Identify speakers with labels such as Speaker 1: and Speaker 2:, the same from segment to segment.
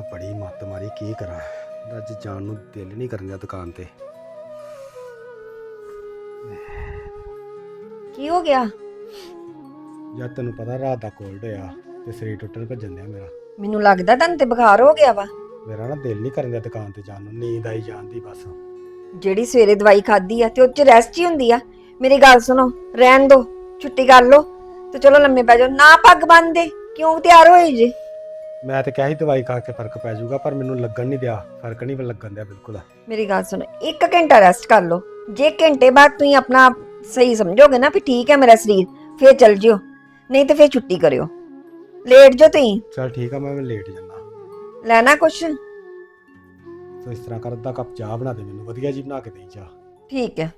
Speaker 1: ਬੜੀ ਮੱਤ ਮਾਰੀ, ਕੀ ਕਰਾਂ। ਅੱਜ ਜਾਣ ਨੂੰ ਦਿਲ ਨਹੀਂ ਕਰਨ ਦਿਆ ਦੁਕਾਨ ਤੇ।
Speaker 2: ਕੀ ਹੋ ਗਿਆ?
Speaker 1: ਜਦ ਤੈਨੂੰ ਪਤਾ ਰਾਤ ਦਾ ਕੋਲਡ ਹੋਇਆ ਤੇ ਸਰੀਰ ਟੁੱਟਣ ਭੱਜਣ ਦਿਆ ਮੇਰਾ।
Speaker 2: ਮੈਨੂੰ ਲੱਗਦਾ ਤੁਹਾਨੂੰ ਤੇ ਬੁਖਾਰ ਹੋ ਗਿਆ ਵਾ।
Speaker 1: ਮੇਰਾ ਨਾ ਦਿਲ ਨਹੀਂ ਕਰਨ ਦਿਆ ਦੁਕਾਨ ਤੇ ਜਾਣ ਨੂੰ, ਨੀਂਦ ਆਈ ਜਾਂਦੀ ਬਸ।
Speaker 2: ਜਿਹੜੀ ਸਵੇਰੇ ਦਵਾਈ ਖਾਦੀ ਆ ਤੇ ਉਹ ਚ ਰੈਸਟ ਹੀ ਹੁੰਦੀ ਆ। ਮੇਰੀ ਗੱਲ ਸੁਣੋ, ਰਹਿਣ ਦੋ, ਛੁੱਟੀ ਕਰ ਲੋ ਤੇ ਚਲੋ ਲੰਮੇ ਪੈ ਜਾਓ। ਨਾ ਪੱਗ ਬੰਨਦੇ ਕਿਉਂ ਤਿਆਰ ਹੋਏ ਜੇ?
Speaker 1: ਮੈਂ ਤੇ ਕਿਹਾ ਸੀ ਦਵਾਈ ਖਾ ਕੇ ਫਰਕ ਪੈ ਜਾਊਗਾ, ਪਰ ਮੈਨੂੰ ਲੱਗਣ ਨਹੀਂ ਦਿਆ, ਫਰਕ ਨਹੀਂ ਲੱਗਣ ਦਿਆ ਬਿਲਕੁਲ।
Speaker 2: ਮੇਰੀ ਗੱਲ ਸੁਣੋ, 1 ਘੰਟਾ ਰੈਸਟ ਕਰ ਲੋ। ਜੇ ਘੰਟੇ ਬਾਅਦ ਤੁਸੀਂ ਆਪਣਾ ਸਹੀ ਸਮਝੋਗੇ ਨਾ ਵੀ ਠੀਕ ਹੈ ਮੇਰਾ ਸਰੀਰ, ਫੇਰ ਚੱਲ ਜਿਓ, ਨਹੀਂ ਤੇ ਫੇਰ ਛੁੱਟੀ ਕਰਿਓ। ਲੇਟ ਜੋ ਤੁਸੀਂ।
Speaker 1: ਚਲ ਠੀਕ ਆ, ਮੈਂ ਲੇਟ ਜਾਣਾ।
Speaker 2: ਲੈਣਾ ਕੁਛ?
Speaker 1: ਸੋ ਇਸ ਤਰ੍ਹਾਂ ਕਰ, ਅੱਧਾ ਕੱਪ ਚਾਹ ਬਣਾ ਦੇ ਮੈਨੂੰ, ਵਧੀਆ ਜੀ ਬਣਾ ਕੇ ਦੇਈ ਚਾਹ।
Speaker 2: ਠੀਕ ਹੈ।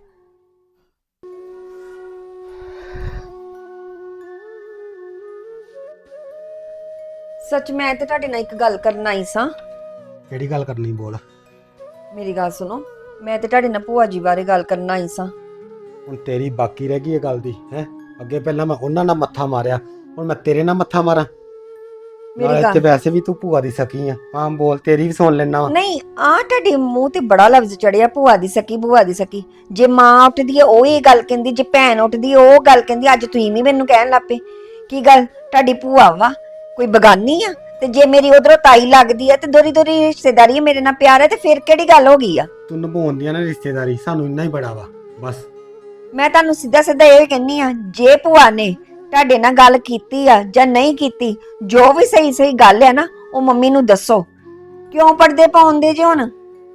Speaker 2: ਸੱਚ ਮੈਂ ਤੇ ਤੁਹਾਡੇ ਨਾਲ ਇੱਕ ਗੱਲ ਕਰਨ ਆਈ ਸਾਂ।
Speaker 1: ਕਿਹੜੀ ਗੱਲ ਕਰਨੀ, ਬੋਲ।
Speaker 2: ਮੇਰੀ ਗੱਲ ਸੁਣੋ, ਮੈਂ ਤੇ ਤੁਹਾਡੇ ਨਾਲ ਭੂਆ ਜੀ ਬਾਰੇ ਗੱਲ ਕਰਨ ਆਈ ਸਾਂ।
Speaker 1: ਹੁਣ ਤੇਰੀ ਬਾਕੀ ਰਹਿ ਗਈ ਇਹ ਗੱਲ ਦੀ ਹੈ। ਅੱਗੇ ਪਹਿਲਾਂ ਮੈਂ ਉਹਨਾਂ ਨਾਲ ਮੱਥਾ ਮਾਰਿਆ, ਹੁਣ ਮੈਂ ਤੇਰੇ ਨਾਲ ਮੱਥਾ ਮਾਰਾਂ?
Speaker 2: ਮੇਰੀ
Speaker 1: ਤੇ ਵੈਸੇ ਵੀ ਤੂੰ ਭੂਆ ਦੀ ਸਕੀ ਆ। ਹਾਂ ਬੋਲ, ਤੇਰੀ ਵੀ ਸੁਣ ਲੈਣਾ ਵਾ।
Speaker 2: ਨਹੀਂ, ਆ ਤੁਹਾਡੇ ਮੂੰਹ ਤੇ ਬੜਾ ਲਫ਼ਜ਼ ਚੜਿਆ, ਭੂਆ ਦੀ ਸਕੀ, ਭੂਆ ਦੀ ਸਕੀ। ਜੇ ਮਾਂ ਉੱਠਦੀ ਹੈ ਉਹ ਇਹ ਗੱਲ ਕਹਿੰਦੀ, ਜੇ ਭੈਣ ਉੱਠਦੀ ਹੈ ਉਹ ਗੱਲ ਕਹਿੰਦੀ। ਅੱਜ ਤੁਸੀਂ ਵੀ ਮੈਨੂੰ ਕਹਿਣ ਲੱਪੇ ਕੀ ਗੱਲ ਤੁਹਾਡੀ ਭੂਆ ਵਾ ਕੋਈ ਬਗਾਨੀ ਆ? ਤੇ ਜੇ ਮੇਰੀ ਉਧਰੋਂ ਤਾਈ ਲੱਗਦੀ ਆ ਤੇ ਦੋਰੀ ਦੋਰੀ ਰਿਸ਼ਤੇਦਾਰੀ ਮੇਰੇ ਨਾਲ ਪਿਆਰ ਹੈ, ਤੇ ਫਿਰ ਕਿਹੜੀ ਗੱਲ ਹੋ ਗਈ ਆ?
Speaker 1: ਤੂੰ ਨਿਭਾਉਂਦੀਆਂ ਨਾ ਰਿਸ਼ਤੇਦਾਰੀ, ਸਾਨੂੰ ਇੰਨਾ ਹੀ ਬੜਾ ਵਾ ਬਸ।
Speaker 2: ਮੈਂ ਤੁਹਾਨੂੰ ਸਿੱਧਾ ਸਿੱਧਾ ਇਹ ਕਹਿੰਨੀ ਆ, ਜੇ ਭੂਆ ਨੇ ਤੁਹਾਡੇ ਨਾਲ ਗੱਲ ਕੀਤੀ ਆ ਜਾਂ ਨਹੀਂ ਕੀਤੀ, ਜੋ ਵੀ ਸਹੀ ਸਹੀ ਗੱਲ ਹੈ ਨਾ, ਉਹ ਮੰਮੀ ਨੂੰ ਦੱਸੋ। ਕਿਉਂ ਪਰਦੇ ਪਾਉਂਦੇ ਜੇ? ਹੁਣ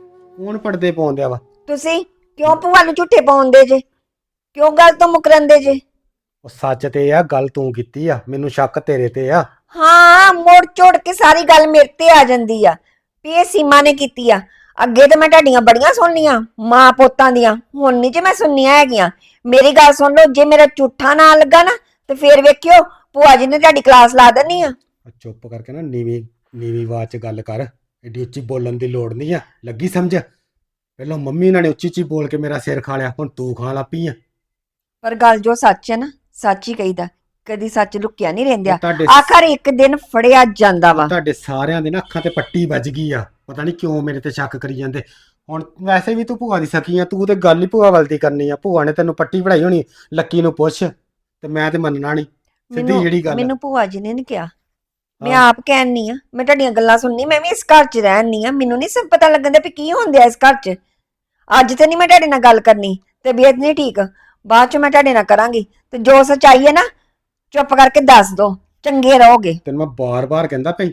Speaker 1: ਕੌਣ ਪਰਦੇ ਪਾਉਂਦਿਆ ਵਾ?
Speaker 2: ਤੁਸੀਂ ਕਿਉਂ ਭੂਆ ਨੂੰ ਝੂਠੇ ਪਾਉਂਦੇ ਜੇ? ਕਿਉਂ ਗੱਲ ਤੋਂ ਮੁਕਰੰਦੇ ਜੇ?
Speaker 1: ਉਹ ਸੱਚ ਤੇ ਆ, ਗੱਲ ਤੂੰ ਕੀਤੀ ਆ, ਮੈਨੂੰ ਸ਼ੱਕ ਤੇਰੇ ਤੇ ਆ।
Speaker 2: ਹਾਂ, ਮੋੜ ਝੋੜ ਕੇ ਸਾਰੀ ਗੱਲ ਮੇਰੇ ਤੇ ਆ ਜਾਂਦੀ ਆ ਵੀ ਇਹ ਸੀਮਾ ਨੇ ਕੀਤੀ ਆ। ਅੱਗੇ ਤੇ ਮੈਂ ਤੁਹਾਡੀਆਂ ਬੜੀਆਂ ਸੁਣਨੀਆਂ ਮਾਂ ਪੋਤਾਂ ਦੀਆਂ, ਹੁਣ ਨਹੀਂ ਜੇ ਮੈਂ ਸੁਣਨੀਆਂ ਹੈਗੀਆਂ। ਮੇਰੀ ਗੱਲ ਸੁਣ ਲਓ, ਜੇ ਮੇਰਾ ਝੂਠਾ ਨਾ ਲੱਗਾ ਨਾ ਤੇ ਫੇਰ ਵੇਖਿਓ ਭੂਆ ਜੀ ਨੇ ਤੁਹਾਡੀ ਕਲਾਸ ਲਾ ਦੇਣੀ ਆ।
Speaker 1: ਚੁੱਪ ਕਰਕੇ ਨਾ ਨੀਵੀਂ ਨੀਵੀਂ ਆਵਾਜ਼ 'ਚ ਗੱਲ ਕਰ, ਏਡੀ ਉੱਚੀ ਬੋਲਣ ਦੀ ਲੋੜ ਨਹੀਂ ਆ, ਲੱਗੀ ਸਮਝ? ਪਹਿਲਾਂ ਮੰਮੀ ਨਾਲ ਨੇ ਉੱਚੀ ਉੱਚੀ ਬੋਲ ਕੇ ਮੇਰਾ ਸਿਰ ਖਾ ਲਿਆ, ਹੁਣ ਤੂੰ ਖਾਣ ਲੱਪੀ ਆ।
Speaker 2: ਪਰ ਗੱਲ ਜੋ ਸੱਚ ਹੈ ਨਾ, ਸੱਚ ਹੀ ਕਹੀਦਾ, ਕਦੀ ਸੱਚ ਲੁਕਿਆ ਨਹੀਂ ਰਹਿੰਦਾ।
Speaker 1: ਤੁਹਾਡੇ
Speaker 2: ਆਖਰ ਇੱਕ ਦਿਨ ਫੜਿਆ ਜਾਂਦਾ ਵਾ।
Speaker 1: ਤੁਹਾਡੇ ਸਾਰਿਆਂ ਦੇ ਨਾ ਅੱਖਾਂ ਤੇ ਪੱਟੀ ਵੱਜ ਗਈ ਆ, ਪਤਾ ਨਹੀਂ ਕਿਉਂ ਮੇਰੇ ਤੇ ਸ਼ੱਕ ਕਰੀ ਜਾਂਦੇ। ਹੁਣ ਵੈਸੇ ਵੀ ਤੂੰ ਭੂਆ ਦੀ ਸਕੀ ਆ, ਤੂੰ ਤੇ ਗੱਲ ਹੀ ਭੂਆ ਵੱਲ ਦੀ ਕਰਨੀ ਆ। ਭੂਆ ਨੇ ਤੈਨੂੰ ਪੱਟੀ ਪੜਾਈ ਹੋਣੀ, ਲੱਕੀ ਨੂੰ ਪੁੱਛ। ਤੇ ਮੈਂ ਤੇ ਮੰਨਣਾ ਨਹੀਂ, ਸਿੱਧੀ ਜਿਹੜੀ ਗੱਲ।
Speaker 2: ਮੈਨੂੰ ਭੂਆ ਜੀ ਨੇ ਨਹੀਂ ਕਿਹਾ, ਮੈਂ ਆਪ ਕਹਿਣੀ ਆ। ਮੈਂ ਤੁਹਾਡੀਆਂ ਗੱਲਾਂ ਸੁਣਨੀ, ਮੈਂ ਵੀ ਇਸ ਘਰ 'ਚ ਰਹਿਣੀ ਆ, ਮੈਨੂੰ ਨਹੀਂ ਸਭ ਪਤਾ ਲੱਗਣ ਦਿਆ ਵੀ ਕੀ ਹੁੰਦਿਆ ਇਸ ਘਰ 'ਚ। ਅੱਜ ਤੇ ਨਹੀਂ ਮੈਂ ਤੁਹਾਡੇ ਨਾਲ ਗੱਲ ਕਰਨੀ, ਤਬੀਅਤ ਨਹੀਂ ਠੀਕ, ਬਾਅਦ 'ਚ ਮੈਂ ਤੁਹਾਡੇ ਨਾਲ ਕਰਾਂਗੀ। ਤੇ ਜੋ ਸੱਚਾਈ ਹੈ ਨਾ, ਚੁੱਪ ਕਰਕੇ ਦੱਸ ਦੋ, ਚੰਗੇ ਰਹੋਗੇ।
Speaker 1: ਤੈਨੂੰ ਮੈਂ ਬਾਰ-ਬਾਰ ਕਹਿੰਦਾ ਪਈ,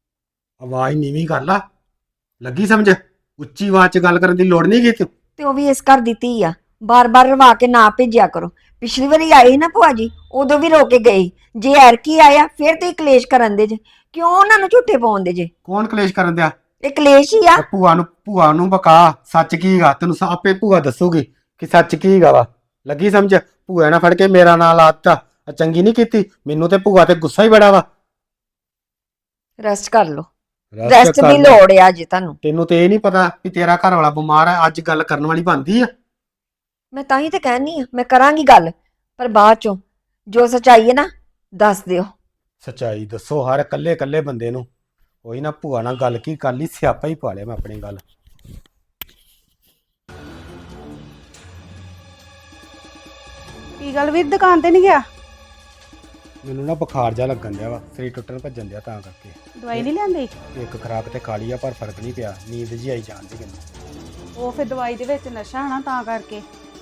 Speaker 1: ਆਵਾਜ਼ ਨੀਵੀਂ ਕਰ ਲਾ, ਲੱਗੀ ਸਮਝ? ਉੱਚੀ ਆਵਾਜ਼ 'ਚ ਗੱਲ ਕਰਨ ਦੀ ਲੋੜ ਨਹੀਂ ਗੀ।
Speaker 2: ਤੇ ਉਹ ਵੀ ਇਸ ਘਰ ਦੀ ਧੀ ਆ, ਬਾਰ-ਬਾਰ ਰਵਾ ਕੇ ਨਾ ਭੇਜਿਆ ਕਰੋ। ਪਿਛਲੀ ਵਾਰੀ ਆਏ ਸੀ ਨਾ ਭੂਆ ਜੀ, ਉਦੋਂ ਵੀ ਰੋ ਕੇ ਗਏ। ਜੇ ਐਰਕੀ ਆਇਆ ਫਿਰ ਤੁਸੀਂ ਕਲੇਸ਼ ਕਰਨ ਦੇ ਜੇ। ਕਿਉਂ ਉਹਨਾਂ ਨੂੰ ਝੂਠੇ ਪਾਉਂਦੇ ਜੇ?
Speaker 1: ਕੌਣ ਕਲੇਸ਼ ਕਰਨ ਦਿਆ?
Speaker 2: ਇਹ ਕਲੇਸ਼ ਹੀ ਆ।
Speaker 1: ਭੂਆ ਨੂੰ ਬਕਾ, ਸੱਚ ਕੀ ਹੈਗਾ ਤੈਨੂੰ ਆਪੇ ਭੂਆ ਦੱਸੂਗੀ ਕਿ ਸੱਚ ਕੀ ਹੈਗਾ ਵਾ। ਲੱਗੀ ਸਮਝ? ਭੂਆ ਨਾ ਫੜ ਕੇ ਮੇਰਾ ਨਾਂ ਲਾਤਾ, ਚੰਗੀ ਨਹੀਂ ਕੀਤੀ। ਮੈਨੂੰ ਤੇ ਭੂਆ ਤੇ ਗੁੱਸਾ ਹੀ ਬੜਾ ਵਾ।
Speaker 2: ਰੈਸਟ ਕਰ ਲਓ, ਰੈਸਟ ਦੀ ਲੋੜ ਆ ਜੀ ਤੁਹਾਨੂੰ।
Speaker 1: ਤੈਨੂੰ ਤੇ ਇਹ ਨਹੀਂ ਪਤਾ ਵੀ ਤੇਰਾ ਘਰ ਵਾਲਾ ਬਿਮਾਰ ਹੈ, ਅੱਜ ਗੱਲ ਕਰਨ ਵਾਲੀ ਬਣਦੀ ਆ।
Speaker 2: ਮੈਂ ਤਾਂ ਹੀ ਤੇ ਕਹਿਣੀ ਆ, ਮੈਂ ਕਰਾਂਗੀ ਗੱਲ, ਪਰ ਬਾਅਦ ਚੋਂ ਜੋ ਸੱਚਾਈ ਹੈ ਨਾ ਦੱਸ ਦਿਓ।
Speaker 1: ਸੱਚਾਈ ਦੱਸੋ ਹਰ ਇਕੱਲੇ ਇਕੱਲੇ ਬੰਦੇ ਨੂੰ। ਉਹੀ ਨਾ ਭੂਆ ਨਾਲ ਗੱਲ ਕੀ ਕਰ ਲਈ, ਸਿਆਪਾ ਹੀ ਪਾ ਲਿਆ ਮੈਂ ਆਪਣੀ ਗੱਲ।
Speaker 3: ਕੀ ਗੱਲ ਵੀਰ, ਦੁਕਾਨ ਤੇ ਨਹੀਂ ਗਿਆ?
Speaker 1: ਮੈਨੂੰ ਨਾ ਬੁਖਾਰ ਜਾ ਲੱਗਣ ਦਿਆ ਵਾ, ਸਰੀਰ ਟੁੱਟਣ ਭੱਜਣ ਦਿਆ, ਤਾਂ ਕਰਕੇ।
Speaker 3: ਦਵਾਈ ਨਹੀਂ ਲਿਆਂਦੀ?
Speaker 1: ਇੱਕ ਖੁਰਾਕ ਤੇ ਖਾ ਲਈ ਆ, ਪਰ ਫਰਕ ਨਹੀਂ ਪਿਆ, ਨੀਂਦ ਜੀ ਆਈ ਜਾਂਦੀ ਮੈਨੂੰ।
Speaker 3: ਉਹ ਫਿਰ ਦਵਾਈ ਦੇ ਵਿੱਚ ਨਸ਼ਾ ਹੋਣਾ, ਤਾਂ ਕਰਕੇ।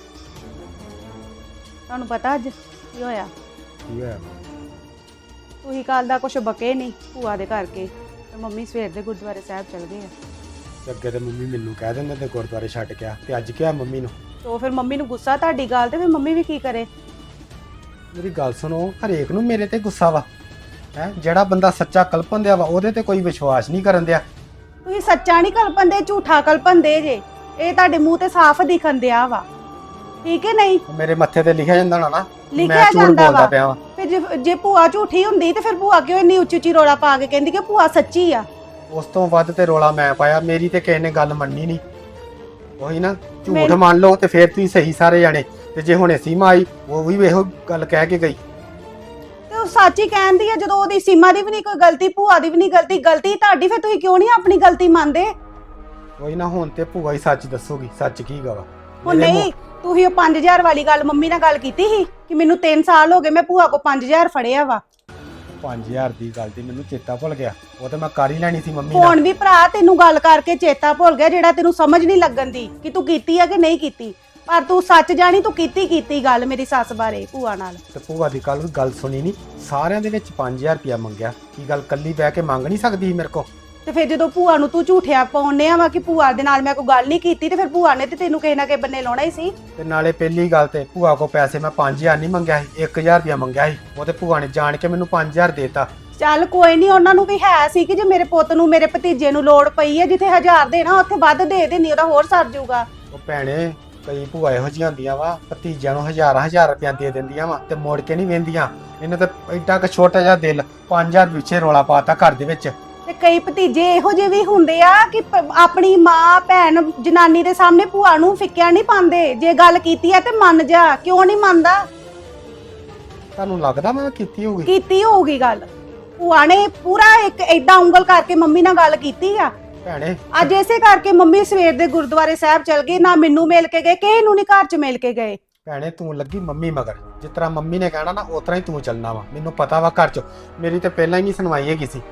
Speaker 3: ਤੁਹਾਨੂੰ ਪਤਾ ਅੱਜ ਕੀ ਹੋਇਆ?
Speaker 1: ਕੀ ਹੋਇਆ?
Speaker 3: ਤੁਸੀਂ ਕੱਲ ਦਾ ਕੁਛ ਬਕੇ ਨਹੀਂ ਭੂਆ ਦੇ ਕਰਕੇ, ਤੇ ਮੰਮੀ ਸਵੇਰ ਦੇ ਗੁਰਦੁਆਰੇ ਸਾਹਿਬ ਚਲ ਗਏ ਆ।
Speaker 1: ਤੇ ਅੱਗੇ ਤੇ ਮੰਮੀ ਮੈਨੂੰ ਕਹਿ ਦਿੰਦੇ ਤੇ ਗੁਰਦੁਆਰੇ ਛੱਡ ਗਿਆ, ਤੇ ਅੱਜ ਕਿਹਾ ਮੰਮੀ ਨੂੰ।
Speaker 3: ਤੇ ਫਿਰ ਮੰਮੀ ਨੂੰ ਗੁੱਸਾ ਤੁਹਾਡੀ ਗੱਲ ਤੇ, ਫਿਰ ਮੰਮੀ ਵੀ ਕੀ ਕਰੇ?
Speaker 1: ਮੇਰੀ ਗੱਲ ਸੁਣੋ, ਹਰੇਕ ਨੂੰ ਮੇਰੇ ਤੇ ਗੁੱਸਾ ਵਾ ਹੈ। ਜਿਹੜਾ ਬੰਦਾ ਸੱਚਾ ਕਲਪਨ ਦਿਆ ਵਾ ਉਹਦੇ ਤੇ ਕੋਈ ਵਿਸ਼ਵਾਸ ਨਹੀਂ ਕਰਨ ਦਿਆ।
Speaker 3: ਤੁਸੀਂ ਸੱਚਾ ਨਹੀਂ ਕਲਪਨ ਦੇ, ਝੂਠਾ ਕਲਪਨ ਦੇ ਜੇ। ਇਹ ਤੁਹਾਡੇ ਮੂੰਹ ਤੇ ਸਾਫ਼ ਦਿਖਣ ਦਿਆ ਵਾ, ਠੀਕ ਹੈ ਨਹੀਂ?
Speaker 1: ਮੇਰੇ ਮੱਥੇ ਤੇ ਲਿਖਿਆ ਜਾਂਦਾ ਨਾ
Speaker 3: ਲਿਖਿਆ ਜਾਂਦਾ ਵਾ। ਫਿਰ ਜੇ ਭੂਆ ਝੂਠੀ ਹੁੰਦੀ ਤੇ ਫਿਰ ਭੂਆ ਕਿਉਂ ਇੰਨੀ ਉੱਚੀ ਉੱਚੀ ਰੋਲਾ ਪਾ ਕੇ ਕਹਿੰਦੀ ਕਿ ਭੂਆ ਸੱਚੀ ਆ?
Speaker 1: ਉਸ ਤੋਂ ਵੱਧ ਤੇ ਰੋਲਾ ਮੈਂ ਪਾਇਆ, ਮੇਰੀ ਤੇ ਕਿਸੇ ਨੇ ਗੱਲ ਮੰਨੀ ਨਹੀਂ। ਉਹੀ ਨਾ, ਝੂਠ ਮੰਨ ਲਓ ਤੇ ਫਿਰ ਤੁਸੀਂ ਸਹੀ ਸਾਰੇ ਜਾਣੇ। ਤੇ ਜੇ ਹੁਣੇ ਸੀਮਾ ਆਈ, ਉਹ ਵੀ ਇਹੋ ਗੱਲ ਕਹਿ ਕੇ ਗਈ।
Speaker 3: ਤੇ ਉਹ ਸੱਚ ਹੀ ਕਹਿੰਦੀ ਆ, ਜਦੋਂ ਉਹਦੀ ਸੀਮਾ ਦੀ ਵੀ ਨਹੀਂ ਕੋਈ ਗਲਤੀ, ਭੂਆ ਦੀ ਵੀ ਨਹੀਂ ਗਲਤੀ, ਗਲਤੀ ਤੁਹਾਡੀ, ਫਿਰ ਤੁਸੀਂ ਕਿਉਂ ਨਹੀਂ ਆਪਣੀ ਗਲਤੀ ਮੰਨਦੇ?
Speaker 1: ਕੋਈ ਨਾ, ਹੁਣ ਤੇ ਭੂਆ ਹੀ ਸੱਚ ਦੱਸੂਗੀ, ਸੱਚ ਕੀ ਗਾ ਵਾ।
Speaker 3: ਉਹ ਨਹੀਂ, ਤੁਸੀਂ ਉਹ 5000 ਵਾਲੀ ਗੱਲ ਮੰਮੀ ਨਾਲ ਗੱਲ ਕੀਤੀ ਸੀ ਕਿ ਮੈਨੂੰ 3 ਸਾਲ ਹੋ ਗਏ ਮੈਂ ਭੂਆ ਕੋ 5000 ਫੜਿਆ ਵਾ।
Speaker 1: 5000 ਦੀ ਗੱਲ ਦੀ ਮੈਨੂੰ ਚੇਤਾ ਭੁੱਲ ਗਿਆ, ਉਹ ਤੇ ਮੈਂ ਕਰ ਹੀ ਲੈਣੀ ਸੀ ਮੰਮੀ
Speaker 3: ਹੁਣ
Speaker 1: ਨਾਲ।
Speaker 3: ਵੀ ਭਰਾ ਤੈਨੂੰ ਗੱਲ ਕਰਕੇ ਚੇਤਾ ਭੁੱਲ ਗਿਆ, ਜਿਹੜਾ ਤੈਨੂੰ ਸਮਝ ਨਹੀਂ ਲੱਗਣ ਦੀ ਕਿ ਤੂੰ ਕੀਤੀ ਆ ਕਿ ਨਹੀਂ ਕੀਤੀ, ਪਰ ਤੂੰ ਸੱਚ ਜਾਣੀ, ਤੂੰ ਕੀਤੀ ਗੱਲ ਮੇਰੀ ਸੱਸ ਬਾਰੇ ਭੂਆ ਨਾਲ।
Speaker 1: ਤੇ ਭੂਆ ਦੀ ਕੱਲ ਗੱਲ ਸੁਣੀ ਨਹੀਂ, ਸਾਰਿਆਂ ਦੇ ਵਿੱਚ 5000 ਰੁਪਇਆ ਮੰਗਿਆ, ਕੀ ਗੱਲ ਕੱਲੀ ਬਹਿ ਕੇ ਮੰਗ ਨਹੀਂ ਸਕਦੀ ਸੀ ਮੇਰੇ ਕੋ?
Speaker 3: ਤੇ ਫਿਰ ਜਦੋਂ ਭੂਆ ਨੂੰ ਤੂੰ ਝੂਠਿਆ ਪਾਉਣੇ ਆ ਵਾ ਕਿ ਭੂਆ ਦੇ ਨਾਲ ਮੈਂ ਕੋਈ ਗੱਲ ਨਹੀਂ ਕੀਤੀ, ਤੇ ਫਿਰ ਭੂਆ ਨੇ ਤੇ ਤੈਨੂੰ ਕਿਸੇ ਨਾ ਕਿਸੇ ਬੰਨੇ ਲਾਉਣਾ ਹੀ ਸੀ।
Speaker 1: ਤੇ ਨਾਲੇ ਪਹਿਲੀ ਗੱਲ ਤੇ ਭੂਆ ਕੋ ਪੈਸੇ ਮੈਂ 5000 ਨਹੀਂ ਮੰਗਿਆ ਸੀ, 1000 ਰੁਪਇਆ ਮੰਗਿਆ ਸੀ, ਉਹ ਤੇ ਭੂਆ ਨੇ ਜਾਣ ਕੇ ਮੈਨੂੰ 5000 ਦੇਤਾ।
Speaker 3: ਚੱਲ ਕੋਈ ਨਹੀਂ, ਉਹਨਾਂ ਨੂੰ ਵੀ ਹੈ ਸੀ ਕਿ ਜੇ ਮੇਰੇ ਪੁੱਤ ਨੂੰ, ਮੇਰੇ ਭਤੀਜੇ ਨੂੰ ਲੋੜ ਪਈ ਹੈ, ਜਿੱਥੇ 1000 ਦੇਣਾ ਉੱਥੇ ਵੱਧ ਦੇ ਦੇਣੀ, ਉਹਦਾ ਹੋਰ ਸਰ ਜਾਊਗਾ।
Speaker 1: ਉਹ ਭੈਣੇ, ਕਈ ਭੂਆ ਇਹੋ ਜਿਹੀਆਂ ਹੁੰਦੀਆਂ ਵਾ, ਭਤੀਜਿਆਂ ਨੂੰ ਹਜ਼ਾਰਾਂ ਰੁਪਇਆ ਦੇ ਦਿੰਦੀਆਂ ਵਾ ਤੇ ਮੁੜ ਕੇ ਨਹੀਂ ਵੇਂਦੀਆਂ। ਇਹਨੇ ਤਾਂ ਐਡਾ ਕ ਛੋਟਾ ਜਿਹਾ ਦਿਲ, 5000 ਪਿੱਛੇ ਰੋਲਾ ਪਾਤਾ ਘਰ ਦੇ ਵਿੱਚ।
Speaker 3: ਤੇ ਕਈ ਭਤੀਜੇ ਇਹੋ ਜਿਹੇ ਵੀ ਹੁੰਦੇ ਆ ਕਿ ਆਪਣੀ ਮਾਂ ਭੈਣ ਜਨਾਨੀ ਦੇ ਸਾਹਮਣੇ ਭੂਆ ਨੂੰ ਫਿੱਕਿਆ ਨਹੀਂ ਪਾਉਂਦੇ, ਜੇ ਗੱਲ ਕੀਤੀ ਹੈ ਤੇ ਮੰਨ ਜਾ, ਕਿਉਂ ਨਹੀਂ ਮੰਨਦਾ?
Speaker 1: ਤੁਹਾਨੂੰ ਲੱਗਦਾ ਮੈਂ ਕੀਤੀ ਹੋਊਗੀ?
Speaker 3: ਕੀਤੀ ਹੋਊਗੀ ਗੱਲ, ਭੂਆ ਨੇ ਪੂਰਾ ਇੱਕ ਐਡਾ ਉਂਗਲ ਕਰਕੇ ਮੰਮੀ ਨਾਲ ਗੱਲ ਕੀਤੀ ਆ।
Speaker 1: ਭੈਣੇ
Speaker 3: ਅੱਜ ਇਸੇ ਕਰਕੇ ਮੰਮੀ ਸਵੇਰ ਦੇ ਗੁਰਦੁਆਰੇ ਸਾਹਿਬ ਚਲ ਗਏ, ਨਾ ਮੈਨੂੰ ਮਿਲ ਕੇ ਗਏ, ਕਿਸੇ ਨੂੰ ਨਹੀਂ ਘਰ 'ਚ ਮਿਲ ਕੇ ਗਏ।
Speaker 1: ਭੈਣੇ ਤੂੰ ਲੱਗੀ ਮੰਮੀ ਮਗਰ, ਜਿਸ ਤਰ੍ਹਾਂ ਮੰਮੀ ਨੇ ਕਹਿਣਾ ਨਾ ਉਸ ਤਰ੍ਹਾਂ ਹੀ ਤੂੰ ਚੱਲਣਾ ਵਾ। ਮੈਨੂੰ ਪਤਾ ਵਾ ਘਰ 'ਚ ਮੇਰੀ ਤੇ ਪਹਿਲਾਂ ਹੀ ਨਹੀਂ ਸੁਣਵਾਈ ਹੈਗੀ ਸੀ।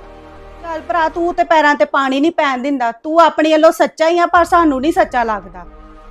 Speaker 3: ਚੱਲ ਭਰਾ, ਤੂੰ ਤੇ ਪੈਰਾਂ ਤੇ ਪਾਣੀ ਨਹੀਂ ਪੈਣ ਦਿੰਦਾ, ਤੂੰ ਆਪਣੀ ਵੱਲੋਂ ਸੱਚਾ ਹੀ ਆ, ਪਰ ਸਾਨੂੰ ਨਹੀਂ ਸੱਚਾ ਲੱਗਦਾ।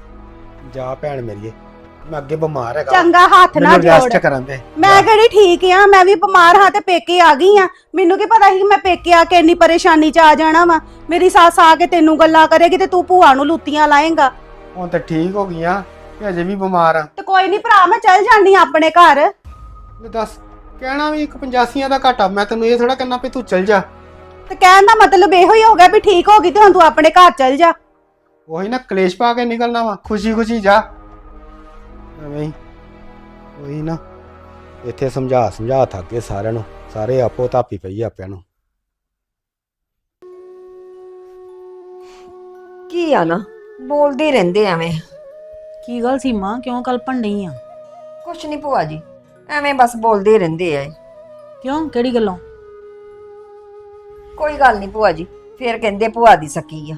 Speaker 1: ਜਾ ਭੈਣ ਮੇਰੀਏ, ਮੈਂ ਅੱਗੇ ਬਿਮਾਰ ਹੈਗਾ,
Speaker 3: ਚੰਗਾ ਹੱਥ ਨਾ
Speaker 1: ਮੈਨੂੰ
Speaker 3: ਜੋੜ।
Speaker 1: ਰੈਸਟ ਕਰਨ ਦੇ।
Speaker 3: ਮੈਂ ਕਿਹੜੀ ਠੀਕ ਆ, ਮੈਂ ਵੀ ਬਿਮਾਰ ਹਾਂ ਤੇ ਪੇਕੇ ਆ ਗਈ ਆ। ਮੈਨੂੰ ਕੀ ਪਤਾ ਸੀ ਕਿ ਮੈਂ ਪੇਕੇ ਆ ਕੇ ਇੰਨੀ ਪਰੇਸ਼ਾਨੀ 'ਚ ਆ ਜਾਣਾ ਵਾ। ਮੇਰੀ ਸੱਸ ਆ ਕੇ ਤੈਨੂੰ ਗੱਲਾਂ ਕਰੇਗੀ ਤੇ ਤੂੰ ਭੂਆ ਨੂੰ ਲੁੱਤੀਆਂ ਲਾਏਂਗਾ।
Speaker 1: ਹੁਣ ਤੇ ਠੀਕ ਹੋ ਗਈਆਂ ਤੇ ਅਜੇ ਵੀ ਬਿਮਾਰ ਆ।
Speaker 3: ਤੇ ਕੋਈ ਨਹੀਂ ਭਰਾ, ਮੈਂ ਚੱਲ ਜਾਨੀ ਆਂ ਆਪਣੇ ਘਰ।
Speaker 1: ਲੈ ਦੱਸ, ਕਹਿਣਾ ਵੀ ਇੱਕ 85 ਦਾ ਘਾਟਾ, ਮੈਂ ਤੈਨੂੰ ਇਹ ਥੋੜਾ ਕਹਿਣਾ ਵੀ ਤੂੰ ਚੱਲ ਜਾ।
Speaker 3: ਤੇ ਕਹਿਣ ਦਾ ਮਤਲਬ ਇਹੋ ਹੀ ਹੋ ਗਿਆ ਵੀ ਠੀਕ ਹੋ ਗਈ ਤੇ ਹੁਣ ਤੂੰ ਆਪਣੇ ਘਰ ਚੱਲ ਜਾ।
Speaker 1: ਉਹੀ ਨਾ, ਕਲੇਸ਼ ਪਾ ਕੇ ਨਿਕਲਣਾ ਵਾ, ਖੁਸ਼ੀ ਜਾ ਐਵੇਂ ਹੀ। ਉਹੀ ਨਾ, ਇੱਥੇ ਸਮਝਾ ਥੱਕ ਗਏ ਸਾਰਿਆਂ ਨੂੰ, ਸਾਰੇ ਆਪੋ ਧਾਪੀ ਪਈ ਆਪਿਆਂ ਨੂੰ।
Speaker 2: ਕੀ ਆ ਨਾ, ਬੋਲਦੇ ਹੀ ਰਹਿੰਦੇ ਐਵੇਂ।
Speaker 4: ਕੀ ਗੱਲ ਸੀਮਾ, ਕਿਉਂ ਕਲਪਣ ਨਹੀਂ ਆ?
Speaker 2: ਕੁਛ ਨਹੀਂ ਭੂਆ ਜੀ, ਐਵੇਂ ਬਸ ਬੋਲਦੇ ਹੀ ਰਹਿੰਦੇ ਆ।
Speaker 4: ਕਿਉਂ, ਕਿਹੜੀ ਗੱਲੋਂ?
Speaker 2: ਕੋਈ ਗੱਲ ਨਹੀਂ ਭੂਆ ਜੀ, ਫੇਰ ਕਹਿੰਦੇ ਭੂਆ ਦੀ ਸਕੀ ਆ।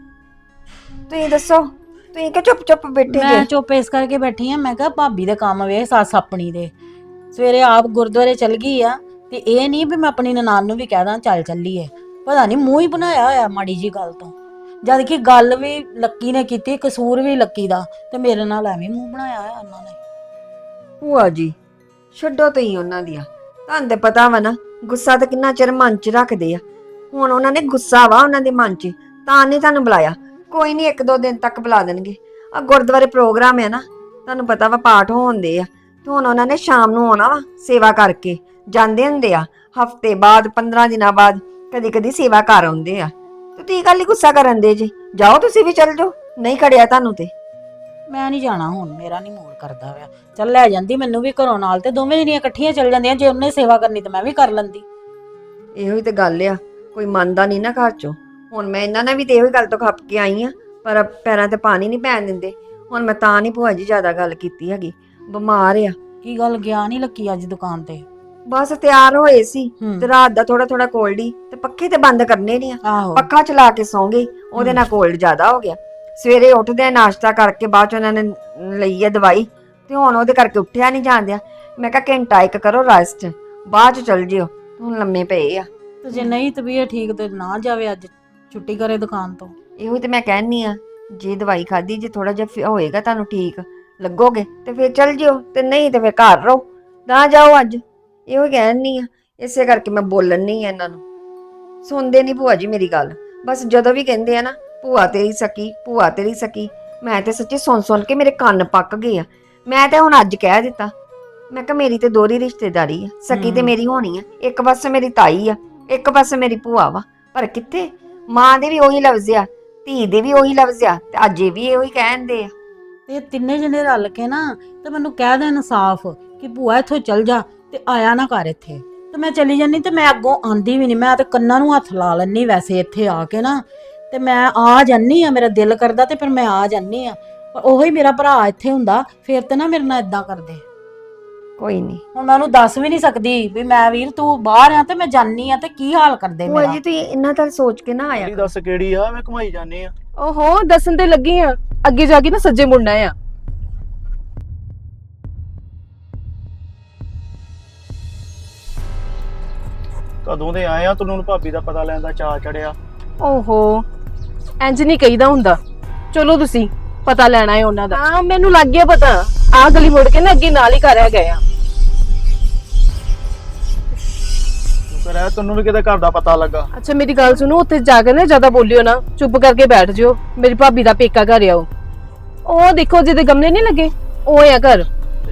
Speaker 2: ਤੁਸੀਂ ਦੱਸੋ, ਤੁਸੀਂ ਕਿ ਚੁੱਪ ਬੈਠੇ
Speaker 4: ਮੈਂ
Speaker 2: ਜੇ?
Speaker 4: ਚੁੱਪ ਇਸ ਕਰਕੇ ਬੈਠੀ ਆ, ਮੈਂ ਕਿਹਾ ਭਾਬੀ ਦੇ ਕੰਮ ਵੇ, ਸੱਸ ਆਪਣੀ ਦੇ ਸਵੇਰੇ ਆਪ ਗੁਰਦੁਆਰੇ ਚਲ ਗਈ ਆ, ਤੇ ਇਹ ਨਹੀਂ ਵੀ ਮੈਂ ਆਪਣੀ ਨਨਾਣ ਨੂੰ ਵੀ ਕਹਿ ਦਾਂ ਚੱਲ ਚੱਲੀਏ। ਪਤਾ ਨਹੀਂ ਮੂੰਹ ਹੀ ਬਣਾਇਆ ਹੋਇਆ ਮਾੜੀ ਜੀ ਗੱਲ ਤੋਂ, ਜਦ ਕਿ ਗੱਲ ਵੀ ਲੱਕੀ ਨੇ ਕੀਤੀ, ਕਸੂਰ ਵੀ ਲੱਕੀ ਦਾ, ਤੇ ਮੇਰੇ ਨਾਲ ਐਵੇਂ ਮੂੰਹ ਬਣਾਇਆ ਹੋਇਆ ਉਹਨਾਂ ਨੇ।
Speaker 2: ਭੂਆ ਜੀ ਛੱਡੋ ਤੁਸੀਂ ਉਹਨਾਂ ਦੀਆਂ, ਤੁਹਾਨੂੰ ਤੇ ਪਤਾ ਵਾ ਨਾ ਗੁੱਸਾ ਤਾਂ ਕਿੰਨਾ ਚਿਰ ਮਨ 'ਚ ਰੱਖਦੇ ਆ। ਹੁਣ ਉਹਨਾਂ ਨੇ ਗੁੱਸਾ ਵਾ ਉਹਨਾਂ ਦੇ ਮਨ 'ਚ, ਤਾਂ ਨਹੀਂ ਤੁਹਾਨੂੰ ਬੁਲਾਇਆ। ਕੋਈ ਨਹੀਂ, 1-2 ਦਿਨ ਤੱਕ ਬੁਲਾ ਦੇਣਗੇ। ਆ ਗੁਰਦੁਆਰੇ ਪ੍ਰੋਗਰਾਮ ਹੈ ਨਾ, ਤੁਹਾਨੂੰ ਪਤਾ ਵਾ ਪਾਠ ਹੋਣਦੇ ਆ, ਤੇ ਹੁਣ ਉਹਨਾਂ ਨੇ ਸ਼ਾਮ ਨੂੰ ਆਉਣਾ ਵਾ ਸੇਵਾ ਕਰਕੇ ਜਾਂਦੇ ਹੁੰਦੇ ਆ। ਹਫਤੇ ਬਾਅਦ, 15 ਦਿਨਾਂ ਬਾਅਦ ਕਦੀ ਸੇਵਾ ਕਰ ਆਉਂਦੇ ਆ। ਤੇ ਤੁਸੀਂ ਕੱਲ ਹੀ ਗੁੱਸਾ ਕਰਨ ਦੇ ਜੀ, ਜਾਓ ਤੁਸੀਂ ਵੀ ਚੱਲ ਜਾਓ, ਨਹੀਂ ਖੜਿਆ ਤੁਹਾਨੂੰ ਤੇ।
Speaker 4: ਮੈਂ ਨਹੀਂ ਜਾਣਾ ਹੁਣ, ਮੇਰਾ ਨਹੀਂ ਮੂਡ ਕਰਦਾ ਹੋਇਆ। ਚੱਲ ਲੈ ਜਾਂਦੀ ਮੈਨੂੰ ਵੀ ਘਰੋਂ ਨਾਲ, ਤੇ ਦੋਵੇਂ ਜਣੀਆਂ ਇਕੱਠੀਆਂ ਚੱਲ ਜਾਂਦੀਆਂ। ਜੇ ਉਹਨੇ ਸੇਵਾ ਕਰਨੀ ਤੇ ਮੈਂ ਵੀ ਕਰ ਲੈਂਦੀ।
Speaker 2: ਇਹੋ ਹੀ ਤੇ ਗੱਲ ਆ, ਕੋਈ ਮੰਨਦਾ ਨਹੀਂ ਨਾ ਘਰ 'ਚੋਂ। ਹੁਣ ਮੈਂ ਇਹਨਾਂ ਨੇ ਵੀ ਤੇ ਇਹੋ ਹੀ ਗੱਲ ਤੋਂ ਖੱਪ ਕੇ ਆਈ ਆ, ਪਰ ਪੈਰਾਂ ਤੇ ਪਾਣੀ ਨਹੀਂ ਪੈਣ ਦਿੰਦੇ। ਹੁਣ ਮੈਂ ਤਾਂ ਨਹੀਂ ਭੂਆ ਜੀ ਜ਼ਿਆਦਾ ਗੱਲ ਕੀਤੀ ਹੈਗੀ, ਬਿਮਾਰ ਆ।
Speaker 4: ਕੀ ਗੱਲ, ਗਿਆ ਨਹੀਂ ਲੱਕੀ ਅੱਜ ਦੁਕਾਨ ਤੇ?
Speaker 2: ਬਸ ਤਿਆਰ ਹੋਏ ਸੀ
Speaker 4: ਹੂੰ।
Speaker 2: ਤੇ ਰਾਤ ਦਾ ਥੋੜਾ ਕੋਲਡ, ਤੇ ਪੱਖੇ ਤੇ ਬੰਦ ਕਰਨੇ ਨਹੀਂ ਆ,
Speaker 4: ਆਹੋ,
Speaker 2: ਪੱਖਾ ਚਲਾ ਕੇ ਸੌਂ ਗਈ। ਉਹਦੇ ਨਾਲ ਕੋਲਡ ਜ਼ਿਆਦਾ ਹੋ ਗਿਆ। ਸਵੇਰੇ ਉੱਠਦੇ ਨਾਸ਼ਤਾ ਕਰਕੇ ਬਾਅਦ ਚ ਉਹਨਾਂ ਨੇ ਲਈ ਆ ਦਵਾਈ, ਤੇ ਹੁਣ ਉਹਦੇ ਕਰਕੇ ਉੱਠਿਆ ਨਹੀਂ ਜਾਂਦਿਆ। ਮੈਂ ਕਿਹਾ ਘੰਟਾ ਇੱਕ ਕਰੋ ਰੈਸਟ, ਬਾਅਦ ਚ ਚੱਲ ਜਿਓ। ਹੁਣ ਲੰਮੇ ਪਏ ਆ।
Speaker 4: ਤੇ ਜੇ ਨਹੀਂ ਤਬੀਅਤ ਠੀਕ ਤੇ ਨਾ ਜਾਵੇ, ਅੱਜ ਛੁੱਟੀ ਕਰੇ ਦੁਕਾਨ ਤੋਂ।
Speaker 2: ਇਹੋ ਤੇ ਮੈਂ ਕਹਿੰਨੀ ਆ, ਜੇ ਦਵਾਈ ਖਾਦੀ, ਜੇ ਥੋੜਾ ਜਿਹਾ ਹੋਏਗਾ ਤੁਹਾਨੂੰ ਠੀਕ ਲੱਗੋਗੇ ਤੇ ਫਿਰ ਚੱਲ ਜਿਓ, ਤੇ ਨਹੀਂ ਤੇ ਫਿਰ ਘਰ ਰਹੋ, ਨਾ ਜਾਓ ਅੱਜ। ਇਹੋ ਕਹਿਣੀ ਆ, ਇਸੇ ਕਰਕੇ ਮੈਂ ਬੋਲਣ ਨਹੀਂ ਆ ਇਹਨਾਂ ਨੂੰ। ਸੁਣਦੇ ਨਹੀਂ ਭੂਆ ਜੀ ਮੇਰੀ ਗੱਲ। ਬਸ ਜਦੋਂ ਵੀ ਕਹਿੰਦੇ ਆ ਨਾ ਭੂਆ ਤੇਰੀ ਸਕੀ, ਭੂਆ ਤੇਰੀ ਸਕੀ, ਮੈਂ ਤੇ ਸੱਚੀ ਸੁਣ ਕੇ ਮੇਰੇ ਕੰਨ ਪੱਕ ਗਏ ਆ। ਮੈਂ ਤੇ ਹੁਣ ਅੱਜ ਕਹਿ ਦਿੱਤਾ, ਮੈਂ ਕਿਹਾ ਮੇਰੀ ਤੇ ਦੋਹਰੀ ਰਿਸ਼ਤੇਦਾਰੀ ਆ, ਸਕੀ ਤੇ ਮੇਰੀ ਹੋਣੀ ਆ। ਇੱਕ ਪਾਸੇ ਮੇਰੀ ਤਾਈ ਆ, ਇੱਕ ਪਾਸੇ ਮੇਰੀ ਭੂਆ ਵਾ, ਪਰ ਕਿੱਥੇ ਮਾਂ ਦੇ ਵੀ ਉਹੀ ਲਫ਼ਜ਼ ਆ, ਧੀ ਦੇ ਵੀ ਉਹੀ ਲਫ਼ਜ਼ ਆ, ਤੇ ਅੱਜ ਇਹ ਵੀ ਇਹੋ ਹੀ ਕਹਿੰਦੇ ਆ।
Speaker 4: ਤੇ ਤਿੰਨੇ ਜਣੇ ਰਲ ਕੇ ਨਾ ਤੇ ਮੈਨੂੰ ਕਹਿ ਦੇਣ ਸਾਫ਼ ਕਿ ਭੂਆ ਇੱਥੋਂ ਚੱਲ ਜਾ, ਤੇ ਆਇਆ ਨਾ ਕਰ ਇੱਥੇ। ਤੇ ਮੈਂ ਚਲੀ ਜਾਨੀ, ਤੇ ਮੈਂ ਅੱਗੋਂ ਆਂਦੀ ਵੀ ਨਹੀਂ। ਮੈਂ ਤੇ ਕੰਨਾਂ ਨੂੰ ਹੱਥ ਲਾ ਲੈਣੀ ਵੈਸੇ ਇੱਥੇ ਆ ਕੇ ਨਾ, ਤੇ ਮੈਂ ਆ ਜਾਨੀ ਆ, ਮੇਰਾ ਦਿਲ ਕਰਦਾ ਤੇ ਫਿਰ ਮੈਂ ਆ ਜਾਨੀ ਆ। ਪਰ ਉਹੀ ਮੇਰਾ ਭਰਾ ਇੱਥੇ ਹੁੰਦਾ ਫਿਰ ਤੇ ਨਾ ਮੇਰੇ ਨਾਲ ਇਦਾਂ ਕਰਦੇ।
Speaker 2: ਕੋਈ ਨਹੀਂ।
Speaker 4: ਹੁਣ ਮੈਂ ਉਹਨੂੰ ਦੱਸ ਵੀ ਨਹੀਂ ਸਕਦੀ ਵੀ ਮੈਂ ਵੀਰ ਤੂੰ ਬਾਹਰ ਆ ਤੇ ਮੈਂ ਜਾਨੀ ਆ ਤੇ ਕੀ ਹਾਲ ਕਰਦੇ
Speaker 2: ਭੂਆ
Speaker 4: ਮੇਰਾ।
Speaker 2: ਜੀ ਤੁਸੀਂ ਇੰਨਾ ਤਾਂ ਸੋਚ ਕੇ ਨਾ ਆਇਆ
Speaker 5: ਤੇਰੀ ਦੱਸ ਕਿਹੜੀ ਆ ਮੈਂ ਘੁਮਾਈ ਜਾਨੀ ਆ।
Speaker 6: ਓਹੋ ਦੱਸਣ ਤੇ ਲੱਗੀ ਆ, ਅੱਗੇ ਜਾ ਕੇ ਨਾ ਸੱਜੇ ਮੁੜਨਾ ਆ।
Speaker 5: ਕਦੋਂ ਦੇ ਆਏ ਆ ਤੈਨੂੰ ਹੁਣ ਭਾਬੀ ਦਾ ਪਤਾ ਲੈਣ ਦਾ ਚਾਅ ਚੜਿਆ।
Speaker 6: ਓਹੋ ਇੰਜ ਨਹੀਂ ਕਹੀਦਾ ਹੁੰਦਾ। ਚਲੋ ਤੁਸੀਂ ਪਤਾ ਲੈਣਾ ਹੈ ਉਹਨਾਂ ਦਾ। ਹਾਂ ਮੈਨੂੰ ਲੱਗ ਗਿਆ ਪਤਾ, ਆ ਗਲੀ ਮੁੜ ਕੇ ਨਾ ਅੱਗੇ ਨਾਲ ਹੀ ਘਰ ਆ ਗਏ ਆ।
Speaker 5: ਸ਼ੁਕਰ ਹੈ ਤੈਨੂੰ ਵੀ ਕਿਤੇ ਘਰ ਦਾ ਪਤਾ ਲੱਗਾ।
Speaker 6: ਅੱਛਾ ਮੇਰੀ ਗੱਲ ਸੁਣੋ, ਉੱਥੇ ਜਾ ਕੇ ਨਾ ਜ਼ਿਆਦਾ ਬੋਲਿਓ ਨਾ, ਚੁੱਪ ਕਰਕੇ ਬੈਠ ਜਿਓ। ਮੇਰੀ ਭਾਬੀ ਦਾ ਪੇਕਾ ਘਰ ਆ ਉਹ ਦੇਖੋ ਜਿਹਦੇ ਗਮਲੇ ਨਹੀਂ ਲੱਗੇ ਉਹ ਆ ਘਰ।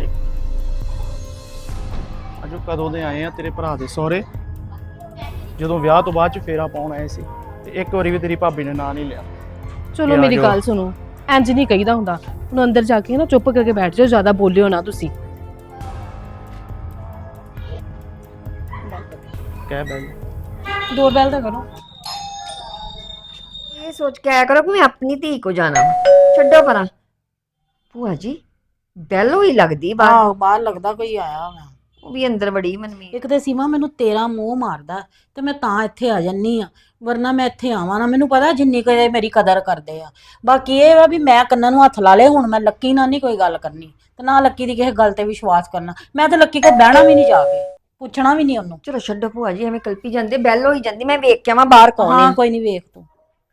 Speaker 5: ਅਜੋ ਕਦੋਂ ਦੇ ਆਏ ਆ ਤੇਰੇ ਭਰਾ ਦੇ ਸਹੁਰੇ, ਜਦੋਂ ਵਿਆਹ ਤੋਂ ਬਾਅਦ ਚ ਫੇਰਾ ਪਾਉਣ ਆਏ ਸੀ ਤੇ ਇੱਕ ਵਾਰੀ ਵੀ ਤੇਰੀ ਭਾਬੀ ਨੇ ਨਾਂ ਨਹੀਂ ਲਿਆ।
Speaker 6: ਚਲੋ
Speaker 5: ਆ
Speaker 6: ਮੇਰੀ
Speaker 5: ਜਾਓ।
Speaker 6: ਗੱਲ ਸੁਣੋ, ਇੰਜ ਨਹੀਂ ਕਹੀਦਾ ਹੁੰਦਾ। ਹੁਣ ਅੰਦਰ ਜਾ ਕੇ ਨਾ ਚੁੱਪ ਕਰਕੇ ਬੈਠ ਜਾਓ, ਜ਼ਿਆਦਾ ਬੋਲਿਓ ਨਾ ਤੁਸੀਂ।
Speaker 5: ਕਹਿ ਬੈਲ
Speaker 6: ਡੋਰਬੈਲ ਤਾਂ ਕਰੋ।
Speaker 2: ਇਹ ਸੋਚ ਕੇ ਆਇਆ ਕਰੋ ਕਿ ਮੈਂ ਆਪਣੀ ਧੀ ਕੋ ਜਾਣਾ ਵਾ। ਛੱਡੋ ਪਰਾਂ। ਭੂਆ ਜੀ ਬੈਲ ਹੋਈ ਲੱਗਦੀ ਬਾਹਰ,
Speaker 4: ਆਹੋ ਬਾਹਰ ਲੱਗਦਾ ਕੋਈ ਆਇਆ ਹੋਣਾ।
Speaker 2: ਉਹ ਵੀ ਅੰਦਰ ਵੜੀ ਮਨਮੀਤ।
Speaker 4: ਇੱਕ ਤੇ ਸੀਮਾ ਮੈਨੂੰ ਤੇਰਾ ਮੂੰਹ ਮਾਰਦਾ ਤੇ ਮੈਂ ਤਾਂ ਇੱਥੇ ਆ ਜੰਨੀ ਆ, ਵਰਨਾ ਮੈਂ ਇੱਥੇ ਆਵਾਂ ਨਾ। ਮੈਨੂੰ ਪਤਾ ਜਿੰਨੀ ਕੁ ਇਹ ਮੇਰੀ ਕਦਰ ਕਰਦੇ ਆ। ਬਾਕੀ ਇਹ ਵਾ ਵੀ ਮੈਂ ਕੰਨਾਂ ਨੂੰ ਹੱਥ ਲਾ ਲਏ, ਹੁਣ ਮੈਂ ਲੱਕੀ ਨਾਲ ਨਹੀਂ ਕੋਈ ਗੱਲ ਕਰਨੀ ਤੇ ਨਾ ਲੱਕੀ ਦੀ ਕਿਸੇ ਗੱਲ ਤੇ ਵਿਸ਼ਵਾਸ ਕਰਨਾ। ਮੈਂ ਤੇ ਲੱਕੀ ਕੋਲ ਬਹਿਣਾ ਵੀ ਨਹੀਂ, ਜਾ ਕੇ ਪੁੱਛਣਾ ਵੀ ਨਹੀਂ ਉਹਨੂੰ।
Speaker 2: ਚਲੋ ਛੱਡੋ ਭੂਆ ਜੀ, ਐਵੇਂ ਕਲਪੀ ਜਾਂਦੇ। ਬੈਲ ਹੋਈ ਜਾਂਦੀ, ਮੈਂ ਵੇਖ ਕੇ ਆਵਾਂ ਬਾਹਰ ਕੌਣ
Speaker 4: ਹਾਂ
Speaker 2: ਹੈ।
Speaker 4: ਕੋਈ ਨਹੀਂ, ਵੇਖ ਤੂੰ।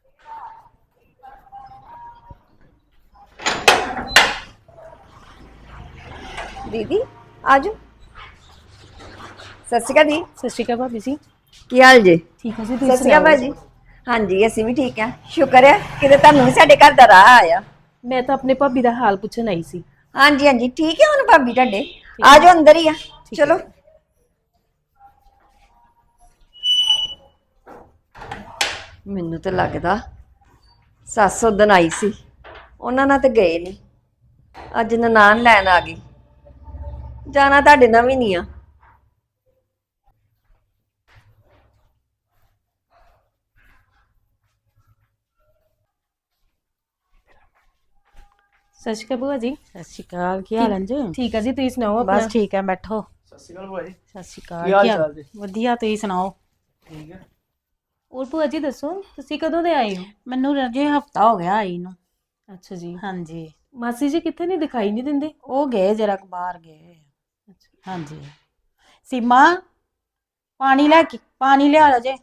Speaker 2: ਦੀਦੀ ਆਜੋ। ਸਤਿ ਸ਼੍ਰੀ ਅਕਾਲ ਦੀ।
Speaker 6: ਸਤਿ ਸ਼੍ਰੀ ਅਕਾਲ ਭਾਬੀ ਜੀ।
Speaker 2: ਕੀ ਹਾਲ ਜੇ?
Speaker 6: ਠੀਕ ਹੈ ਜੀ,
Speaker 2: ਸਤਿ
Speaker 6: ਤੁਸੀਂ
Speaker 2: ਸ਼੍ਰੀ ਅਕਾਲ
Speaker 6: ਸੁਣਾਓ?
Speaker 2: ਭਾਜੀ। ਹਾਂਜੀ ਅਸੀਂ ਵੀ ਠੀਕ ਆ, ਸ਼ੁਕਰ ਹੈ ਕਿਤੇ ਤੁਹਾਨੂੰ ਵੀ ਸਾਡੇ ਘਰ ਦਾ ਰਾਹ ਆਇਆ।
Speaker 6: ਮੈਂ ਤਾਂ ਆਪਣੇ ਭਾਬੀ ਦਾ ਹਾਲ ਪੁੱਛਣ ਆਈ ਸੀ।
Speaker 2: ਹਾਂਜੀ ਹਾਂਜੀ ਠੀਕ ਹੈ ਹੁਣ ਭਾਬੀ ਤੁਹਾਡੇ। ਆਜੋ ਅੰਦਰ ਹੀ ਆ, ਚਲੋ। ਮੈਨੂੰ ਤਾਂ ਲੱਗਦਾ ਸੱਸ ਉਦਣ ਆਈ ਸੀ, ਉਹਨਾਂ ਨਾਲ ਤੇ ਗਏ ਨਹੀਂ, ਅੱਜ ਨਨਾਣ ਲੈਣ ਆ ਗਈ। ਜਾਣਾ ਤੁਹਾਡੇ ਨਾਲ ਵੀ ਨਹੀਂ ਆ।
Speaker 6: ਸਤਿ ਸ਼੍ਰੀ ਅਕਾਲ ਭੂਆ ਜੀ।
Speaker 4: ਸਤਿ ਸ਼੍ਰੀ ਅਕਾਲ, ਕੀ ਹਾਲ ਹੈ ਜੀ?
Speaker 6: ਠੀਕ ਹੈ ਜੀ, ਤੁਸੀਂ ਸੁਣਾਓ ਆਪਣਾ?
Speaker 4: ਬਸ ਠੀਕ ਹੈ, ਬੈਠੋ।
Speaker 5: ਸਤਿ ਸ਼੍ਰੀ ਅਕਾਲ ਭੂਆ ਜੀ।
Speaker 4: ਸਤਿ ਸ਼੍ਰੀ ਅਕਾਲ,
Speaker 5: ਕੀ ਹਾਲ
Speaker 4: ਕੀ ਹਾਲ?
Speaker 5: ਚਾਲ ਜੀ?
Speaker 4: ਵਧੀਆ, ਤੁਸੀਂ ਸੁਣਾਓ?
Speaker 5: ਠੀਕ ਹੈ।
Speaker 6: ਹੋਰ ਭੂਆ ਜੀ ਦੱਸੋ, ਤੁਸੀਂ ਕਦੋਂ ਦੇ ਆਏ ਹੋ?
Speaker 4: ਮੈਨੂੰ ਅਜੇ ਹਫਤਾ ਹੋ ਗਿਆ ਆਈ ਨੂੰ।
Speaker 6: ਅੱਛਾ ਜੀ।
Speaker 4: ਹਾਂਜੀ,
Speaker 6: ਮਾਸੀ ਜੀ ਕਿੱਥੇ ਨਹੀਂ ਦਿਖਾਈ ਨਹੀਂ ਦਿੰਦੇ?
Speaker 4: ਉਹ ਗਏ ਜਰਾ ਕੁ ਬਾਹਰ ਗਏ। ਹਾਂਜੀ। ਸੀਮਾ ਪਾਣੀ ਲਿਆ ਜੇ।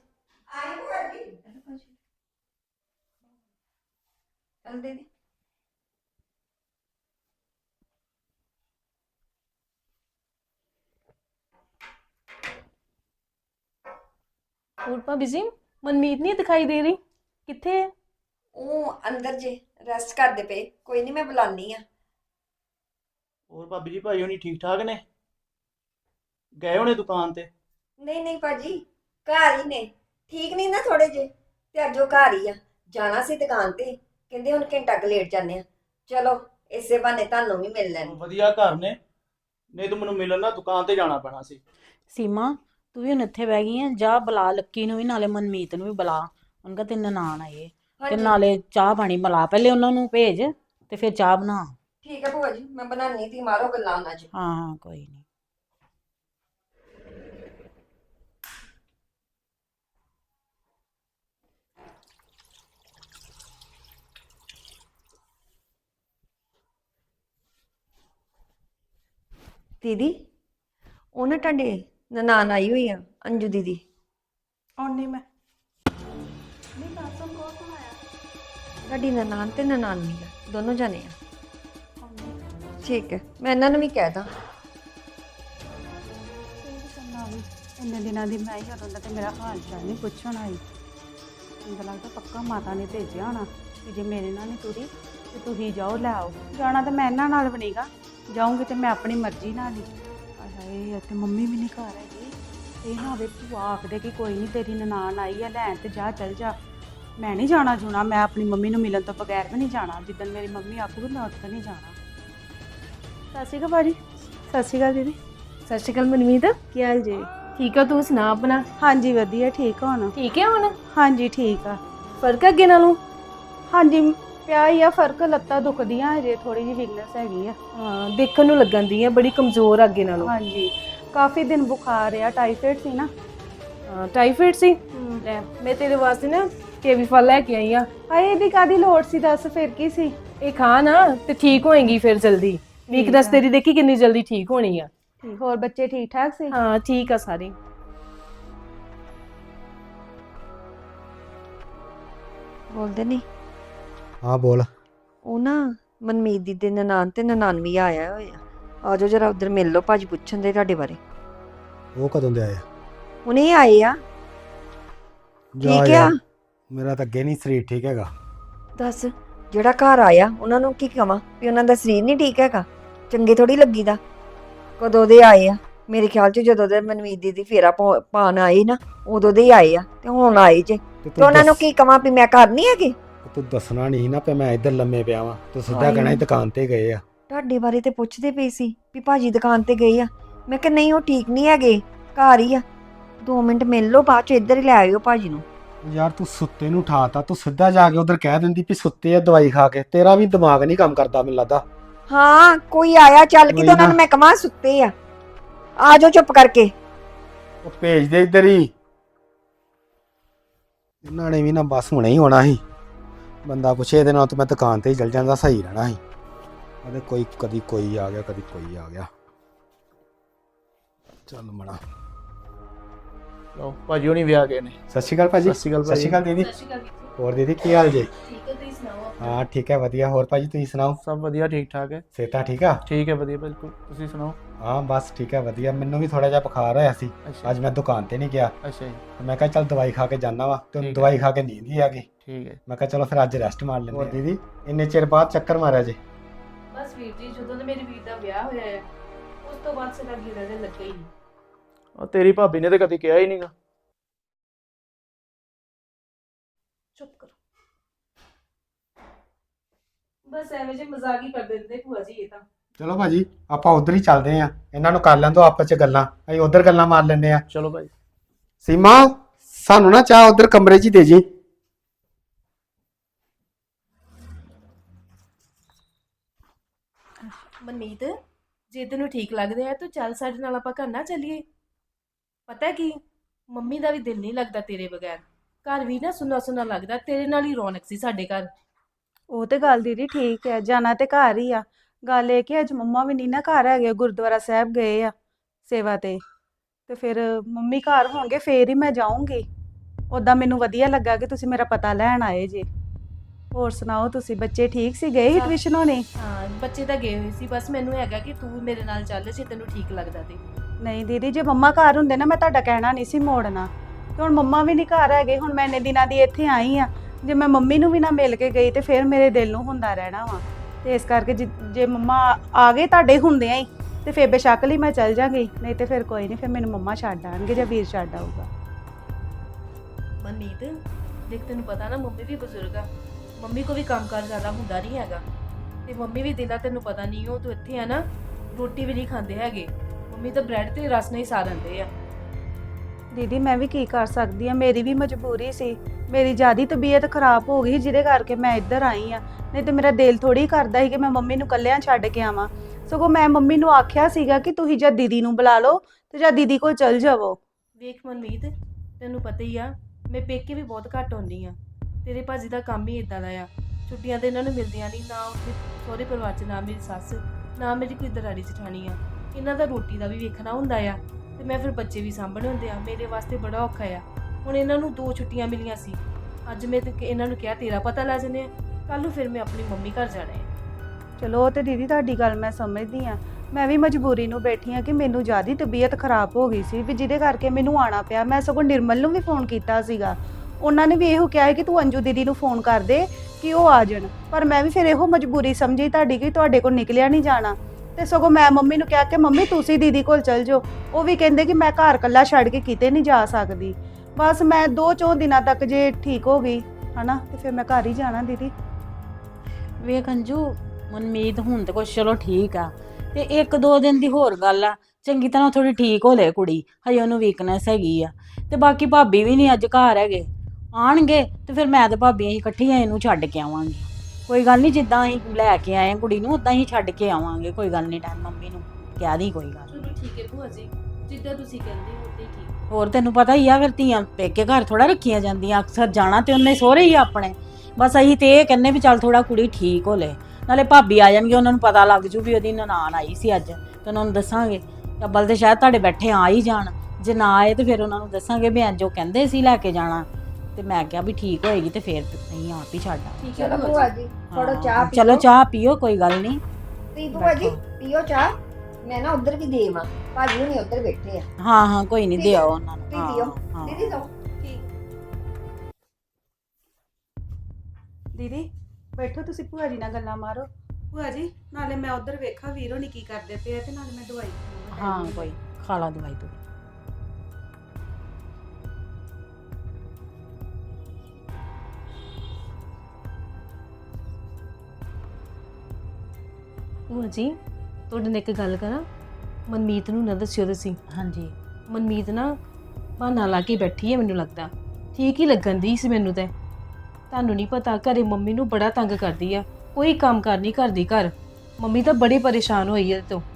Speaker 6: ਹੋਰ ਭਾਬੀ ਜੀ ਮਨਮੀਤ ਨਹੀਂ ਦਿਖਾਈ ਦੇ ਰਹੀ, ਕਿੱਥੇ ਹੈ?
Speaker 2: ਉਹ ਅੰਦਰ ਜੇ ਰੈਸਟ ਕਰਦੇ ਪਏ, ਕੋਈ ਨਹੀਂ ਮੈਂ ਬੁਲਾਨੀ ਆ।
Speaker 5: ਹੋਰ ਭਾਬੀ ਜੀ ਭਾਈ ਹੋਣੀ ਠੀਕ ਠਾਕ ਨੇ? ਗਏ ਹੋਣੇ ਦੁਕਾਨ ਤੇ?
Speaker 2: ਨਹੀਂ ਨਹੀਂ ਭਾਜੀ ਘਰ ਹੀ ਨੇ, ਠੀਕ ਨਹੀਂ ਨਾ ਥੋੜੇ ਜੇ, ਤੇ ਅੱਜ ਉਹ ਘਰ ਹੀ ਆ। ਜਾਣਾ ਸੀ ਦੁਕਾਨ ਤੇ, ਕਹਿੰਦੇ ਹੁਣ ਘੰਟਾ ਕੁ ਲੇਟ ਜਾਂਦੇ ਆ। ਚਲੋ ਇਸੇ ਬਹਾਨੇ ਤੁਹਾਨੂੰ ਵੀ ਮਿਲ ਲੈਣ।
Speaker 5: ਵਧੀਆ ਘਰ ਨੇ, ਨਹੀਂ ਤਾਂ ਮੈਨੂੰ ਮਿਲਣ ਨਾ ਦੁਕਾਨ ਤੇ ਜਾਣਾ ਪੈਣਾ ਸੀ।
Speaker 4: ਸੀਮਾ ਤੂੰ ਵੀ ਹੁਣ ਇੱਥੇ ਬਹਿ ਗਈ ਹੈ, ਜਾ ਬੁਲਾ ਲੱਕੀ ਨੂੰ ਵੀ, ਨਾਲੇ ਮਨਮੀਤ ਨੂੰ ਵੀ ਬੁਲਾ। ਉਹਨਾਂ ਕਾ ਤੇ ਨਨਾਣ ਆਏ ਤੇ
Speaker 2: ਹਾਂਜੀ
Speaker 4: ਨਾਲੇ ਚਾਹ ਪਾਣੀ ਮਿਲਾ, ਪਹਿਲੇ ਉਹਨਾਂ ਨੂੰ ਭੇਜ ਤੇ ਫਿਰ ਚਾਹ ਬਣਾ।
Speaker 2: ਠੀਕ ਹੈ ਭੂਆ ਜੀ, ਮੈਂ ਬਣਾਉਣੀ ਤੀ, ਮਾਰੋ ਗੱਲਾਂ ਉਹਨਾਂ ਚ।
Speaker 4: ਹਾਂ ਹਾਂ ਕੋਈ ਨਹੀਂ।
Speaker 2: ਦੀਦੀ ਉਹ ਨਾ ਤੁਹਾਡੇ ਨਨਾਣ ਆਈ ਹੋਈ ਆ, ਅੰਜੂ ਦੀਦੀ।
Speaker 3: ਆਉਣੀ ਮੈਂ।
Speaker 2: ਤੁਹਾਡੀ ਨਨਾਣ ਤੇ ਨਨਾਨੀ ਆ, ਦੋਨੋਂ ਜਾਣੇ ਆ। ਠੀਕ ਹੈ, ਮੈਂ ਇਹਨਾਂ ਨੂੰ ਵੀ ਕਹਿ ਦਾਂ।
Speaker 3: ਇੰਨੇ ਦਿਨਾਂ ਦੀ ਮੈਂ ਹੀ ਉਦੋਂ ਦਾ ਤੇ ਮੇਰਾ ਹਾਲ ਚਾਲ ਨਹੀਂ ਪੁੱਛਣ ਆਈ। ਮੈਨੂੰ ਲੱਗਦਾ ਪੱਕਾ ਮਾਤਾ ਨੇ ਭੇਜਿਆ ਹੋਣਾ ਕਿ ਜੇ ਮੇਰੇ ਨਾਲ ਨਹੀਂ ਤੁਰੀ ਤੇ ਤੁਸੀਂ ਜਾਓ ਲੈ ਆਓ। ਜਾਣਾ ਤਾਂ ਮੈਂ ਇਹਨਾਂ ਨਾਲ ਵੀ ਨਹੀਂਗਾ, ਜਾਊਂਗੀ ਤੇ ਮੈਂ ਆਪਣੀ ਮਰਜ਼ੀ ਨਾਲ ਹੀ। ਹਾਏ ਤੇ ਮੰਮੀ ਵੀ ਨਹੀਂ ਘਰ ਹੈਗੀ, ਇਹ ਨਾ ਹੋਵੇ ਭੂਆ ਆਖਦੇ ਕਿ ਕੋਈ ਨਹੀਂ ਤੇਰੀ ਨਨਾਣ ਆਈ ਆ ਲੈਣ ਤੇ ਜਾ ਚੱਲ ਜਾ। ਮੈਂ ਨਹੀਂ ਜਾਣਾ ਜੂਣਾ, ਮੈਂ ਆਪਣੀ ਮੰਮੀ ਨੂੰ ਮਿਲਣ ਤੋਂ ਬਗੈਰ ਵੀ ਨਹੀਂ ਜਾਣਾ। ਜਿੱਦਣ ਮੇਰੀ ਮੰਮੀ ਆਖੂਗੀ ਮੈਂ ਉੱਥੇ ਨਹੀਂ ਜਾਣਾ। ਸਤਿ ਸ਼੍ਰੀ ਅਕਾਲ ਭਾਜੀ। ਸਤਿ ਸ਼੍ਰੀ ਅਕਾਲ ਦੀਦੀ।
Speaker 6: ਸਤਿ ਸ਼੍ਰੀ ਅਕਾਲ ਮਨਮੀਤ,
Speaker 3: ਕੀ ਹਾਲ ਜੀ?
Speaker 6: ਠੀਕ ਆ, ਤੂੰ ਸੁਣਾ ਆਪਣਾ?
Speaker 3: ਹਾਂਜੀ ਵਧੀਆ, ਠੀਕ ਹੁਣ?
Speaker 6: ਠੀਕ ਹੈ ਹੁਣ?
Speaker 3: ਹਾਂਜੀ ਠੀਕ ਆ।
Speaker 6: ਫਰਕ ਹੈ ਅੱਗੇ ਨਾਲੋਂ?
Speaker 3: ਹਾਂਜੀ ਪਿਆ ਹੀ ਆ ਫਰਕ, ਲੱਤਾਂ ਦੁਖਦੀਆਂ ਹਜੇ, ਥੋੜੀ ਜਿਹੀ ਵੀਕਨੈਸ ਹੈਗੀ ਆ।
Speaker 6: ਹਾਂ ਦੇਖਣ ਨੂੰ ਲੱਗਣ ਦੀ ਆ ਬੜੀ ਕਮਜ਼ੋਰ ਆ ਅੱਗੇ ਨਾਲੋਂ।
Speaker 3: ਹਾਂਜੀ, ਕਾਫੀ ਦਿਨ ਬੁਖਾਰ ਆ, ਟਾਈਫਾਇਡ ਸੀ ਨਾ।
Speaker 6: ਹਾਂ ਟਾਈਫਾਇਡ ਸੀ। ਲੈ ਮੈਂ ਤੇਰੇ ਵਾਸਤੇ ਨਾ ਕੇਵੀਫਲ ਲੈ ਕੇ ਆਈ ਆ।
Speaker 3: ਹਾਏ ਇਹਦੀ ਕਾਦੀ ਲੋੜ ਸੀ, ਦੱਸ ਫਿਰ ਕੀ ਸੀ?
Speaker 6: ਇਹ ਖਾ ਨਾ ਤੇ ਠੀਕ ਹੋਏਗੀ ਫਿਰ ਜਲਦੀ। ਵੀਕਨੈਸ ਤੇਰੀ ਦੇਖੀ ਕਿੰਨੀ ਜਲਦੀ ਠੀਕ ਹੋਣੀ ਆ।
Speaker 3: ਠੀਕ, ਹੋਰ ਬੱਚੇ ਠੀਕ ਠਾਕ ਸੀ?
Speaker 6: ਹਾਂ ਠੀਕ ਆ ਸਾਰੇ।
Speaker 2: ਬੋਲਦੇ ਨਹੀਂ।
Speaker 1: ਹਾਂ ਬੋਲ।
Speaker 2: ਉਹ ਨਾ ਮਨਮੀਤ ਦੀ ਦੇ ਨਨਾਣ ਤੇ ਨਨਾਨਵੀ ਆਇਆ ਹੋਇਆ। ਆ ਜਾਓ ਜਰਾ ਉਧਰ ਮਿਲ ਲਓ, ਭਾਜੀ ਪੁੱਛਣ ਦੇ ਤੁਹਾਡੇ ਬਾਰੇ।
Speaker 1: ਉਹ ਕਦੋਂ ਦੇ ਆਏ ਆ?
Speaker 2: ਹੁਣੇ ਆਏ ਆ।
Speaker 1: ਜਾ
Speaker 2: ਠੀਕ ਆ।
Speaker 1: ਯਾਰ, ਮੇਰਾ ਤਾਂ ਅੱਗੇ ਨਹੀਂ ਸਰੀਰ ਠੀਕ ਹੈਗਾ।
Speaker 2: ਦੱਸ, ਜਿਹੜਾ ਘਰ ਆਇਆ ਉਹਨਾਂ ਨੂੰ ਕੀ ਕਵਾਂ ਵੀ ਉਹਨਾਂ ਦਾ ਸਰੀਰ ਨਹੀਂ ਠੀਕ ਹੈਗਾ? ਚੰਗੇ ਥੋੜੀ ਲੱਗੀਦਾ। ਕਦੋਂ ਦੇ ਆਏ ਆ? ਮੇਰੇ ਖਿਆਲ 'ਚ ਜਦੋਂ ਦੇ ਮਨਮੀਤ ਦੀ ਫੇਰਾ ਪਾਣ ਆਏ ਨਾ, ਉਦੋਂ ਦੇ ਹੀ ਆਏ ਆ ਤੇ ਹੁਣ ਆਏ ਜੇ। ਤੇ ਉਹਨਾਂ ਨੂੰ ਕੀ ਕਵਾਂ ਵੀ ਮੈਂ ਘਰ ਨਹੀਂ ਹੈਗੇ?
Speaker 1: ਤੂੰ ਦੱਸਣਾ ਨਹੀਂ ਨਾ ਪਈ ਮੈਂ ਇੱਧਰ ਲੰਮੇ ਪਿਆ ਵਾਂ। ਤੂੰ ਸਿੱਧਾ
Speaker 2: ਹਾਏ।
Speaker 1: ਕਹਿਣਾ ਸੀ ਦੁਕਾਨ ਤੇ ਗਏ ਆ।
Speaker 2: ਤੁਹਾਡੇ ਬਾਰੇ ਤੇ ਪੁੱਛਦੇ ਪਈ ਸੀ ਵੀ ਭਾਜੀ ਦੁਕਾਨ ਤੇ ਗਏ ਆ। ਮੈਂ ਕਿਹਾ ਨਹੀਂ, ਉਹ ਠੀਕ ਨਹੀਂ ਹੈਗੇ, ਘਰ ਹੀ ਆ। 2 ਮਿੰਟ ਮਿਲ ਲਓ, ਬਾਅਦ 'ਚ ਇੱਧਰ ਹੀ ਲੈ ਆਇਓ ਭਾਜੀ ਨੂੰ।
Speaker 1: ਯਾਰ ਤੂੰ ਸੁੱਤੇ ਨੂੰ ਉਠਾਤਾ, ਤੂੰ ਸਿੱਧਾ ਜਾ ਕੇ ਉਧਰ ਕਹਿ ਦਿੰਦੀ ਵੀ ਸੁੱਤੇ ਆ ਦਵਾਈ ਖਾ ਕੇ। ਤੇਰਾ ਵੀ ਦਿਮਾਗ ਨਹੀਂ ਕੰਮ ਕਰਦਾ ਮੈਨੂੰ ਲੱਗਦਾ।
Speaker 2: ਹਾਂ ਕੋਈ ਆਇਆ ਚੱਲ ਕੇ
Speaker 1: ਕੋਈ
Speaker 2: ਤੇ ਉਹਨਾਂ ਨੂੰ
Speaker 1: ਨਾ।
Speaker 2: ਮੈਂ ਕਵਾਂ ਸੁੱਤੇ ਆ ਜਾਓ ਚੁੱਪ ਕਰਕੇ।
Speaker 1: ਉਹ ਭੇਜ ਦੇ ਇੱਧਰ ਹੀ। ਇਹਨਾਂ ਨੇ ਵੀ ਨਾ ਬਸ ਹੁਣੇ ਹੀ ਹੋਣਾ ਸੀ। ਬੰਦਾ ਪੁੱਛੇ ਇਹਦੇ ਨਾਲ ਤਾਂ ਮੈਂ ਦੁਕਾਨ ਤੇ ਹੀ ਚਲ ਜਾਂਦਾ, ਸਹੀ ਰਹਿਣਾ ਸੀ। ਉਹਦੇ ਕੋਈ ਕਦੀ ਕੋਈ ਆ ਗਿਆ, ਕਦੀ ਕੋਈ ਆ ਗਿਆ। ਚੱਲ ਮਣਾ।
Speaker 5: ਲਓ ਭਾਜੀ ਹੁਣੀ ਵਿਆਹ ਗਏ ਨੇ।
Speaker 1: ਸਤਿ ਸ਼੍ਰੀ ਅਕਾਲ ਭਾਜੀ।
Speaker 5: ਸਤਿ ਸ਼੍ਰੀ ਅਕਾਲ
Speaker 1: ਸਤਿ ਸ਼੍ਰੀ ਅਕਾਲ ਦੀਦੀ। ਹੋਰ ਦੀਦੀ ਕੀ ਹਾਲ ਜੇ?
Speaker 6: ਠੀਕ ਹੈ ਤੁਸੀਂ ਸੁਣਾਓ।
Speaker 1: ਹਾਂ ਠੀਕ ਹੈ ਵਧੀਆ। ਹੋਰ ਭਾਜੀ ਤੁਸੀਂ ਸੁਣਾਓ?
Speaker 5: ਸਭ ਵਧੀਆ ਠੀਕ ਠਾਕ ਹੈ।
Speaker 1: ਸਿਹਤਾਂ ਠੀਕ ਆ?
Speaker 5: ਠੀਕ ਹੈ ਵਧੀਆ ਬਿਲਕੁਲ। ਤੁਸੀਂ ਸੁਣਾਓ?
Speaker 1: ਹਾਂ ਬਸ ਠੀਕ ਹੈ ਵਧੀਆ। ਮੈਨੂੰ ਵੀ ਥੋੜਾ ਜਿਹਾ ਬੁਖਾਰ ਹੋਇਆ ਸੀ,
Speaker 5: ਅੱਛਾ
Speaker 1: ਅੱਜ ਮੈਂ ਦੁਕਾਨ ਤੇ ਨਹੀਂ ਗਿਆ।
Speaker 5: ਅੱਛਾ ਜੀ
Speaker 1: ਤੇ ਮੈਂ ਕਿਹਾ ਚੱਲ ਦਵਾਈ ਖਾ ਕੇ ਜਾਣਾ ਵਾ, ਤੇ
Speaker 5: ਠੀਕ ਹੈ।
Speaker 1: ਦਵਾਈ ਖਾ ਕੇ ਨੀਂਦ ਹੀ ਆ ਗਈ।
Speaker 5: ਠੀਕ ਹੈ।
Speaker 1: ਮੈਂ ਕਿਹਾ ਚਲੋ ਫਿਰ ਅੱਜ ਰੈਸਟ ਮਾਰ ਲੈਂਦੇ। ਹੋਰ ਦੀਦੀ ਇੰਨੇ ਚਿਰ ਬਾਅਦ ਚੱਕਰ ਮਾਰਿਆ ਜੇ?
Speaker 6: ਬਸ ਵੀਰ ਜੀ ਜਦੋਂ ਦੇ ਮੇਰੇ ਵੀਰ ਦਾ ਵਿਆਹ ਹੋਇਆ ਹੈ ਉਸ ਤੋਂ ਬਾਅਦ ਸਾਡਾ ਗੇੜਾ ਤੇ ਲੱਗਾ ਹੀ ਨਹੀਂ।
Speaker 5: ਉਹ ਤੇਰੀ ਭਾਬੀ ਨੇ ਤਾਂ ਕਦੀ ਕਿਹਾ ਹੀ ਨਹੀਂਗਾ।
Speaker 6: ਚੁੱਪ ਕਰੋ। ਬਸ ਐਵੇਂ ਜੇ ਮਜ਼ਾਕ ਹੀ ਕਰ ਦਿੰਦੇ ਭੂਆ ਜੀ ਇਹ ਤਾਂ।
Speaker 1: ਚਲੋ ਭਾਜੀ ਆਪਾਂ ਉਧਰ ਹੀ ਚੱਲਦੇ ਆਂ, ਇਹਨਾਂ ਨੂੰ ਕਰ ਲੈਣ ਦੋ ਆਪਸ ਚ ਗੱਲਾਂ, ਅਸੀਂ ਉਧਰ ਗੱਲਾਂ ਮਾਰ ਲੈਂਦੇ ਆ।
Speaker 5: ਚਲੋ ਭਾਈ।
Speaker 1: ਸੀਮਾ ਸਾਨੂੰ ਨਾ ਚਾਹ ਉਧਰ ਕਮਰੇ 'ਚ ਹੀ ਦੇ ਜੀ।
Speaker 6: ਮਨਮੀਤ ਜੇ ਤੈਨੂੰ ਠੀਕ ਲੱਗਦਾ ਹੈ ਤੂੰ ਚੱਲ ਸਾਡੇ ਨਾਲ, ਆਪਾਂ ਘਰ ਨਾ ਚੱਲੀਏ। ਪਤਾ ਕੀ, ਮੰਮੀ ਦਾ ਵੀ ਦਿਲ ਨਹੀਂ ਲੱਗਦਾ ਤੇਰੇ ਬਗੈਰ। ਘਰ ਵੀ ਨਾ ਸੁੰਨਾ ਸੁੰਨਾ ਲੱਗਦਾ, ਤੇਰੇ ਨਾਲ ਹੀ ਰੌਣਕ ਸੀ ਸਾਡੇ ਘਰ।
Speaker 3: ਉਹ ਤੇ ਗੱਲ ਦੀਦੀ ਠੀਕ ਹੈ, ਜਾਣਾ ਤੇ ਘਰ ਹੀ ਆ। ਗੱਲ ਇਹ ਕਿ ਅੱਜ ਮੰਮਾ ਵੀ ਨਹੀਂ ਨਾ ਘਰ ਹੈਗੇ, ਗੁਰਦੁਆਰਾ ਸਾਹਿਬ ਗਏ ਆ ਸੇਵਾ ਤੇ ਫਿਰ ਮੰਮੀ ਘਰ ਹੋਣਗੇ ਫੇਰ ਹੀ ਮੈਂ ਜਾਊਂਗੀ। ਉਦਾਂ ਮੈਨੂੰ ਵਧੀਆ ਲੱਗਾ ਕਿ ਤੁਸੀਂ ਮੇਰਾ ਪਤਾ ਲੈਣ ਆਏ ਜੇ। ਹੋਰ ਸੁਣਾਓ ਤੁਸੀਂ, ਬੱਚੇ ਠੀਕ ਸੀ, ਗਏ ਸੀ ਟਿਊਸ਼ਨ ਹੋਣੇ?
Speaker 6: ਹਾਂ ਬੱਚੇ ਤਾਂ ਗਏ ਹੋਏ ਸੀ, ਬਸ ਮੈਨੂੰ ਹੈਗਾ ਕਿ ਤੂੰ ਮੇਰੇ ਨਾਲ ਚੱਲ ਜੇ ਤੈਨੂੰ ਠੀਕ ਲੱਗਦਾ ਤੇ।
Speaker 3: ਨਹੀਂ ਦੀਦੀ, ਜੇ ਮੰਮਾ ਘਰ ਹੁੰਦੇ ਨਾ ਮੈਂ ਤੁਹਾਡਾ ਕਹਿਣਾ ਨਹੀਂ ਸੀ ਮੋੜਨਾ। ਤੇ ਹੁਣ ਮੰਮਾ ਵੀ ਨਹੀਂ ਘਰ ਹੈਗੇ, ਹੁਣ ਮੈਂ ਇੰਨੇ ਦਿਨਾਂ ਦੀ ਇੱਥੇ ਆਈ ਆ। ਜੇ ਮੈਂ ਮੰਮੀ ਨੂੰ ਵੀ ਨਾ ਮਿਲ ਕੇ ਗਈ ਤੇ ਫਿਰ ਮੇਰੇ ਦਿਲ ਨੂੰ ਹੁੰਦਾ ਰਹਿਣਾ ਵਾ। ਤੇ ਇਸ ਕਰਕੇ ਜੇ ਮੰਮਾ ਆ ਗਏ ਤੁਹਾਡੇ ਹੁੰਦਿਆਂ ਹੀ ਤੇ ਫਿਰ ਬੇਸ਼ੱਕ ਲਈ ਮੈਂ ਚੱਲ ਜਾਗੀ, ਨਹੀਂ ਤੇ ਫਿਰ ਕੋਈ ਨਹੀਂ, ਫਿਰ ਮੈਨੂੰ ਮੰਮਾ ਛੱਡ ਆਣਗੇ ਜਾਂ ਵੀਰ ਛੱਡ ਆਊਗਾ।
Speaker 6: ਮਨਮੀਤ ਦੇਖ ਤੈਨੂੰ ਪਤਾ ਨਾ ਮੰਮੀ ਵੀ ਬਜ਼ੁਰਗ ਆ, ਮੰਮੀ ਕੋ ਵੀ ਕੰਮਕਾਰ ਜ਼ਿਆਦਾ ਹੁੰਦਾ ਨਹੀਂ ਹੈਗਾ। ਤੇ ਮੰਮੀ ਵੀ ਦਿਨਾਂ ਤੈਨੂੰ ਪਤਾ ਨਹੀਂ, ਉਹ ਤੂੰ ਇੱਥੇ ਆ ਨਾ ਰੋਟੀ ਵੀ ਨਹੀਂ ਖਾਂਦੇ ਹੈਗੇ। ਮੰਮੀ ਤਾਂ ਬ੍ਰੈਡ ਤੇ ਰਸ ਨਹੀਂ ਸਾ ਦਿੰਦੇ ਆ।
Speaker 3: ਦੀਦੀ ਮੈਂ ਵੀ ਕੀ ਕਰ ਸਕਦੀ ਆ, ਮੇਰੀ ਵੀ ਮਜਬੂਰੀ ਸੀ। ਮੇਰੀ ਜਿਆਦੀ ਤਬੀਅਤ ਖਰਾਬ ਹੋ ਗਈ ਜਿਹਦੇ ਕਰਕੇ ਮੈਂ ਇੱਧਰ ਆਈ ਆ, ਨਹੀਂ ਤੇ ਮੇਰਾ ਦਿਲ ਥੋੜੀ ਕਰਦਾ ਸੀ ਕਿ ਮੈਂ ਮੰਮੀ ਨੂੰ ਇਕੱਲਿਆਂ ਛੱਡ ਕੇ ਆਵਾਂ। ਸਗੋਂ ਮੈਂ ਮੰਮੀ ਨੂੰ ਆਖਿਆ ਸੀਗਾ ਕਿ ਤੁਸੀਂ ਜਾਂ ਦੀਦੀ ਨੂੰ ਬੁਲਾ ਲਓ ਤੇ ਜਾਂ ਦੀਦੀ ਕੋਲ ਚਲ ਜਾਵੋ।
Speaker 6: ਵੇਖ ਮਨਮੀਤ ਤੈਨੂੰ ਪਤਾ ਹੀ ਆ ਮੈਂ ਪੇਕੇ ਵੀ ਬਹੁਤ ਘੱਟ ਆਉਂਦੀ ਆ। ਤੇਰੇ ਭਾਜੀ ਦਾ ਕੰਮ ਹੀ ਇਦਾਂ ਦਾ ਆ, ਛੁੱਟੀਆਂ ਤੇ ਇਹਨਾਂ ਨੂੰ ਮਿਲਦੀਆਂ ਨਹੀਂ, ਨਾ ਉੱਥੇ ਸਹੁਰੇ ਪਰਿਵਾਰ 'ਚ ਨਾ ਮੇਰੀ ਸੱਸ ਨਾ ਮੇਰੀ ਕੋਈ ਦਰਾਣੀ ਜਠਾਣੀ ਆ। ਇਹਨਾਂ ਦਾ ਰੋਟੀ ਦਾ ਵੀ ਵੇਖਣਾ ਹੁੰਦਾ ਆ ਤੇ ਮੈਂ ਫਿਰ ਬੱਚੇ ਵੀ ਸਾਂਭਣੇ ਹੁੰਦੇ ਆ, ਮੇਰੇ ਵਾਸਤੇ ਬੜਾ ਔਖਾ ਆ। ਹੁਣ ਇਹਨਾਂ ਨੂੰ 2 ਛੁੱਟੀਆਂ ਮਿਲੀਆਂ ਸੀ, ਅੱਜ ਮੈਂ ਤੇ ਇਹਨਾਂ ਨੂੰ ਕਿਹਾ ਤੇਰਾ ਪਤਾ ਲੈ ਜੰਨੇ ਆ, ਕੱਲ ਨੂੰ ਫਿਰ ਮੈਂ ਆਪਣੀ ਮੰਮੀ ਘਰ ਜਾਣਾ ਹੈ।
Speaker 3: ਚਲੋ ਉਹ ਤੇ ਦੀਦੀ ਤੁਹਾਡੀ ਗੱਲ ਮੈਂ ਸਮਝਦੀ ਆ, ਮੈਂ ਵੀ ਮਜਬੂਰੀ ਨੂੰ ਬੈਠੀ ਆ ਕਿ ਮੈਨੂੰ ਜ਼ਿਆਦਾ ਤਬੀਅਤ ਖਰਾਬ ਹੋ ਗਈ ਸੀ ਵੀ ਜਿਹਦੇ ਕਰਕੇ ਮੈਨੂੰ ਆਣਾ ਪਿਆ। ਮੈਂ ਸਗੋਂ ਨਿਰਮਲ ਨੂੰ ਵੀ ਫੋਨ ਕੀਤਾ ਸੀਗਾ, ਉਹਨਾਂ ਨੇ ਵੀ ਇਹੋ ਕਿਹਾ ਹੈ ਕਿ ਤੂੰ ਅੰਜੂ ਦੀਦੀ ਨੂੰ ਫੋਨ ਕਰ ਦੇ ਕਿ ਉਹ ਆ ਜਾਣ, ਪਰ ਮੈਂ ਵੀ ਫਿਰ ਇਹੋ ਮਜਬੂਰੀ ਸਮਝੀ ਤੁਹਾਡੀ ਕਿ ਤੁਹਾਡੇ ਕੋਲ ਨਿਕਲਿਆ ਨਹੀਂ ਜਾਣਾ। ਤੇ ਸਗੋਂ ਮੈਂ ਮੰਮੀ ਨੂੰ ਕਿਹਾ ਕਿ ਮੰਮੀ ਤੁਸੀਂ ਦੀਦੀ ਕੋਲ ਚਲ ਜਾਓ, ਉਹ ਵੀ ਕਹਿੰਦੇ ਕਿ ਮੈਂ ਘਰ ਇਕੱਲਾ ਛੱਡ ਕੇ ਕਿਤੇ ਨਹੀਂ ਜਾ ਸਕਦੀ। ਬਸ ਮੈਂ 2-4 ਦਿਨਾਂ ਤੱਕ ਜੇ ਠੀਕ ਹੋ ਗਈ ਹਨਾ ਤੇ ਫਿਰ ਮੈਂ ਘਰ ਹੀ ਜਾਣਾ ਦੀਦੀ।
Speaker 4: ਵੇਖ ਅੰਜੂ, ਮਨਮੀਤ ਹੁਣ ਤੇ ਕੁਛ ਚਲੋ ਠੀਕ ਆ, ਤੇ 1-2 ਦਿਨ ਦੀ ਹੋਰ ਗੱਲ ਆ, ਚੰਗੀ ਤਰ੍ਹਾਂ ਥੋੜੀ ਠੀਕ ਹੋ ਲੈ ਕੁੜੀ, ਹਜੇ ਉਹਨੂੰ ਵੀਕਨੈਸ ਹੈਗੀ ਆ। ਤੇ ਬਾਕੀ ਭਾਬੀ ਵੀ ਨਹੀਂ ਅੱਜ ਘਰ ਹੈਗੇ, ਆਣਗੇ ਤੇ ਫਿਰ ਮੈਂ ਤੇ ਭਾਬੀ ਅਸੀਂ ਇਕੱਠੀਆਂ ਇਹਨੂੰ ਛੱਡ ਕੇ ਆਵਾਂਗੇ। ਕੋਈ ਗੱਲ ਨਹੀਂ, ਜਿੱਦਾਂ ਅਸੀਂ ਲੈ ਕੇ ਆਏ ਆ ਕੁੜੀ ਨੂੰ ਉਦਾਂ ਹੀ ਛੱਡ ਕੇ ਆਵਾਂਗੇ, ਕੋਈ ਗੱਲ ਨਹੀਂ। ਟਾਈਮ ਮੰਮੀ ਨੂੰ ਕਹਿ ਦੀ ਕੋਈ ਗੱਲ।
Speaker 6: ਚਲੋ ਠੀਕ ਹੈ ਭੂਆ ਜੀ, ਜਿੱਦਾਂ ਤੁਸੀਂ ਕਹਿੰਦੇ ਹੋ ਉਦਾਂ ਹੀ ਠੀਕ।
Speaker 4: ਹੋਰ ਤੈਨੂੰ ਪਤਾ ਹੀ ਆ ਫਿਰ ਧੀਆਂ ਪੇਕੇ ਘਰ ਥੋੜਾ ਰੱਖੀਆਂ ਜਾਂਦੀਆਂ, ਅਕਸਰ ਜਾਣਾ ਤੇ ਉਹਨੇ ਸਹੁਰੇ ਹੀ ਆ ਆਪਣੇ। ਬਸ ਅਸੀਂ ਤੇ ਇਹ ਕਹਿੰਨੇ ਵੀ ਚੱਲ ਥੋੜਾ ਕੁੜੀ ਠੀਕ ਹੋ ਲੈ, ਨਾਲੇ ਭਾਬੀ ਆ ਜਾਣਗੇ, ਉਹਨਾਂ ਨੂੰ ਪਤਾ ਲੱਗ ਜੂ ਵੀ ਉਹਦੀ ਨਨਾਣ ਆਈ ਸੀ ਅੱਜ, ਤੇ ਉਹਨਾਂ ਨੂੰ ਦੱਸਾਂਗੇ। ਅੱਬਲ ਤੇ ਸ਼ਾਇਦ ਤੁਹਾਡੇ ਬੈਠੇ ਆ ਹੀ ਜਾਣ, ਜੇ ਨਾ ਆਏ ਤੇ ਫਿਰ ਉਹਨਾਂ ਨੂੰ ਦੱਸਾਂਗੇ ਵੀ ਇੰਜ ਉਹ ਕਹਿੰਦੇ ਸੀ ਲੈ ਕੇ ਜਾਣਾ, ਤੇ ਮੈਂ ਕਿਹਾ ਵੀ ਠੀਕ ਹੋਏਗੀ ਤੇ ਫਿਰ ਨਹੀਂ ਆਪ ਹੀ ਛੱਡ ਆ।
Speaker 6: ਠੀਕ ਹੈ
Speaker 2: ਚਲੋ
Speaker 6: ਭੂਆ
Speaker 2: ਭੂਆ
Speaker 6: ਜੀ।
Speaker 2: ਜੀ ਥੋੜਾ ਚਾਹ
Speaker 4: ਹਾਂ,
Speaker 2: ਪੀਓ।
Speaker 4: ਚਲੋ ਚਾਹ ਪੀਓ, ਕੋਈ ਗੱਲ ਨਹੀਂ।
Speaker 2: ਤੁਸੀਂ ਭੂਆ ਜੀ ਪੀਓ ਚਾਹ, ਮੈਂ ਨਾ ਉਧਰ ਵੀ ਦੇਵਾਂ, ਭਾਜੀ ਹੁਣੀ ਉਧਰ ਬੈਠੇ ਆ।
Speaker 4: ਹਾਂ ਹਾਂ ਕੋਈ ਨਹੀਂ,
Speaker 2: ਠੀਕ
Speaker 4: ਦਿਓ
Speaker 2: ਹੈ।
Speaker 4: ਉਹਨਾਂ ਨੂੰ।
Speaker 2: ਤੁਸੀਂ ਪੀਓ
Speaker 4: ਹਾਂ,
Speaker 2: ਦੀਦੀ ਲਓ।
Speaker 3: ਦੀਦੀ ਬੈਠੋ, ਤੁਸੀਂ ਭੂਆ ਜੀ ਨਾਲ ਗੱਲਾਂ ਮਾਰੋ। ਭੂਆ ਜੀ ਨਾਲੇ ਮੈਂ ਉਧਰ ਵੇਖਾਂ ਵੀਰੋ ਨਹੀਂ ਕੀ ਕਰਦੇ ਪਏ ਆ, ਤੇ ਨਾਲੇ ਮੈਂ ਦਵਾਈ ਖਾਵਾਂ।
Speaker 4: ਹਾਂ ਕੋਈ ਖਾ ਲਾ ਦਵਾਈ ਤੂੰ।
Speaker 6: ਭੂਆ ਜੀ ਤੁਹਾਡੇ ਨਾਲ ਇੱਕ ਗੱਲ ਕਰਾਂ, ਮਨਮੀਤ ਨੂੰ ਨਾ ਦੱਸਿਓ ਤੁਸੀਂ।
Speaker 4: ਹਾਂਜੀ
Speaker 6: ਮਨਮੀਤ ਨਾ ਬਹਾਨਾ ਲਾ ਕੇ ਬੈਠੀ ਹੈ, ਮੈਨੂੰ ਲੱਗਦਾ ਠੀਕ ਹੀ ਲੱਗਣ ਦੀ ਸੀ ਮੈਨੂੰ। ਤੇ ਤੁਹਾਨੂੰ ਨਹੀਂ ਪਤਾ ਘਰੇ ਮੰਮੀ ਨੂੰ ਬੜਾ ਤੰਗ ਕਰਦੀ ਆ, ਕੋਈ ਕੰਮ ਕਰ ਨਹੀਂ ਕਰਦੀ ਘਰ। ਮੰਮੀ ਤਾਂ ਬੜੀ ਪਰੇਸ਼ਾਨ ਹੋਈ ਹੈ ਤੋਂ।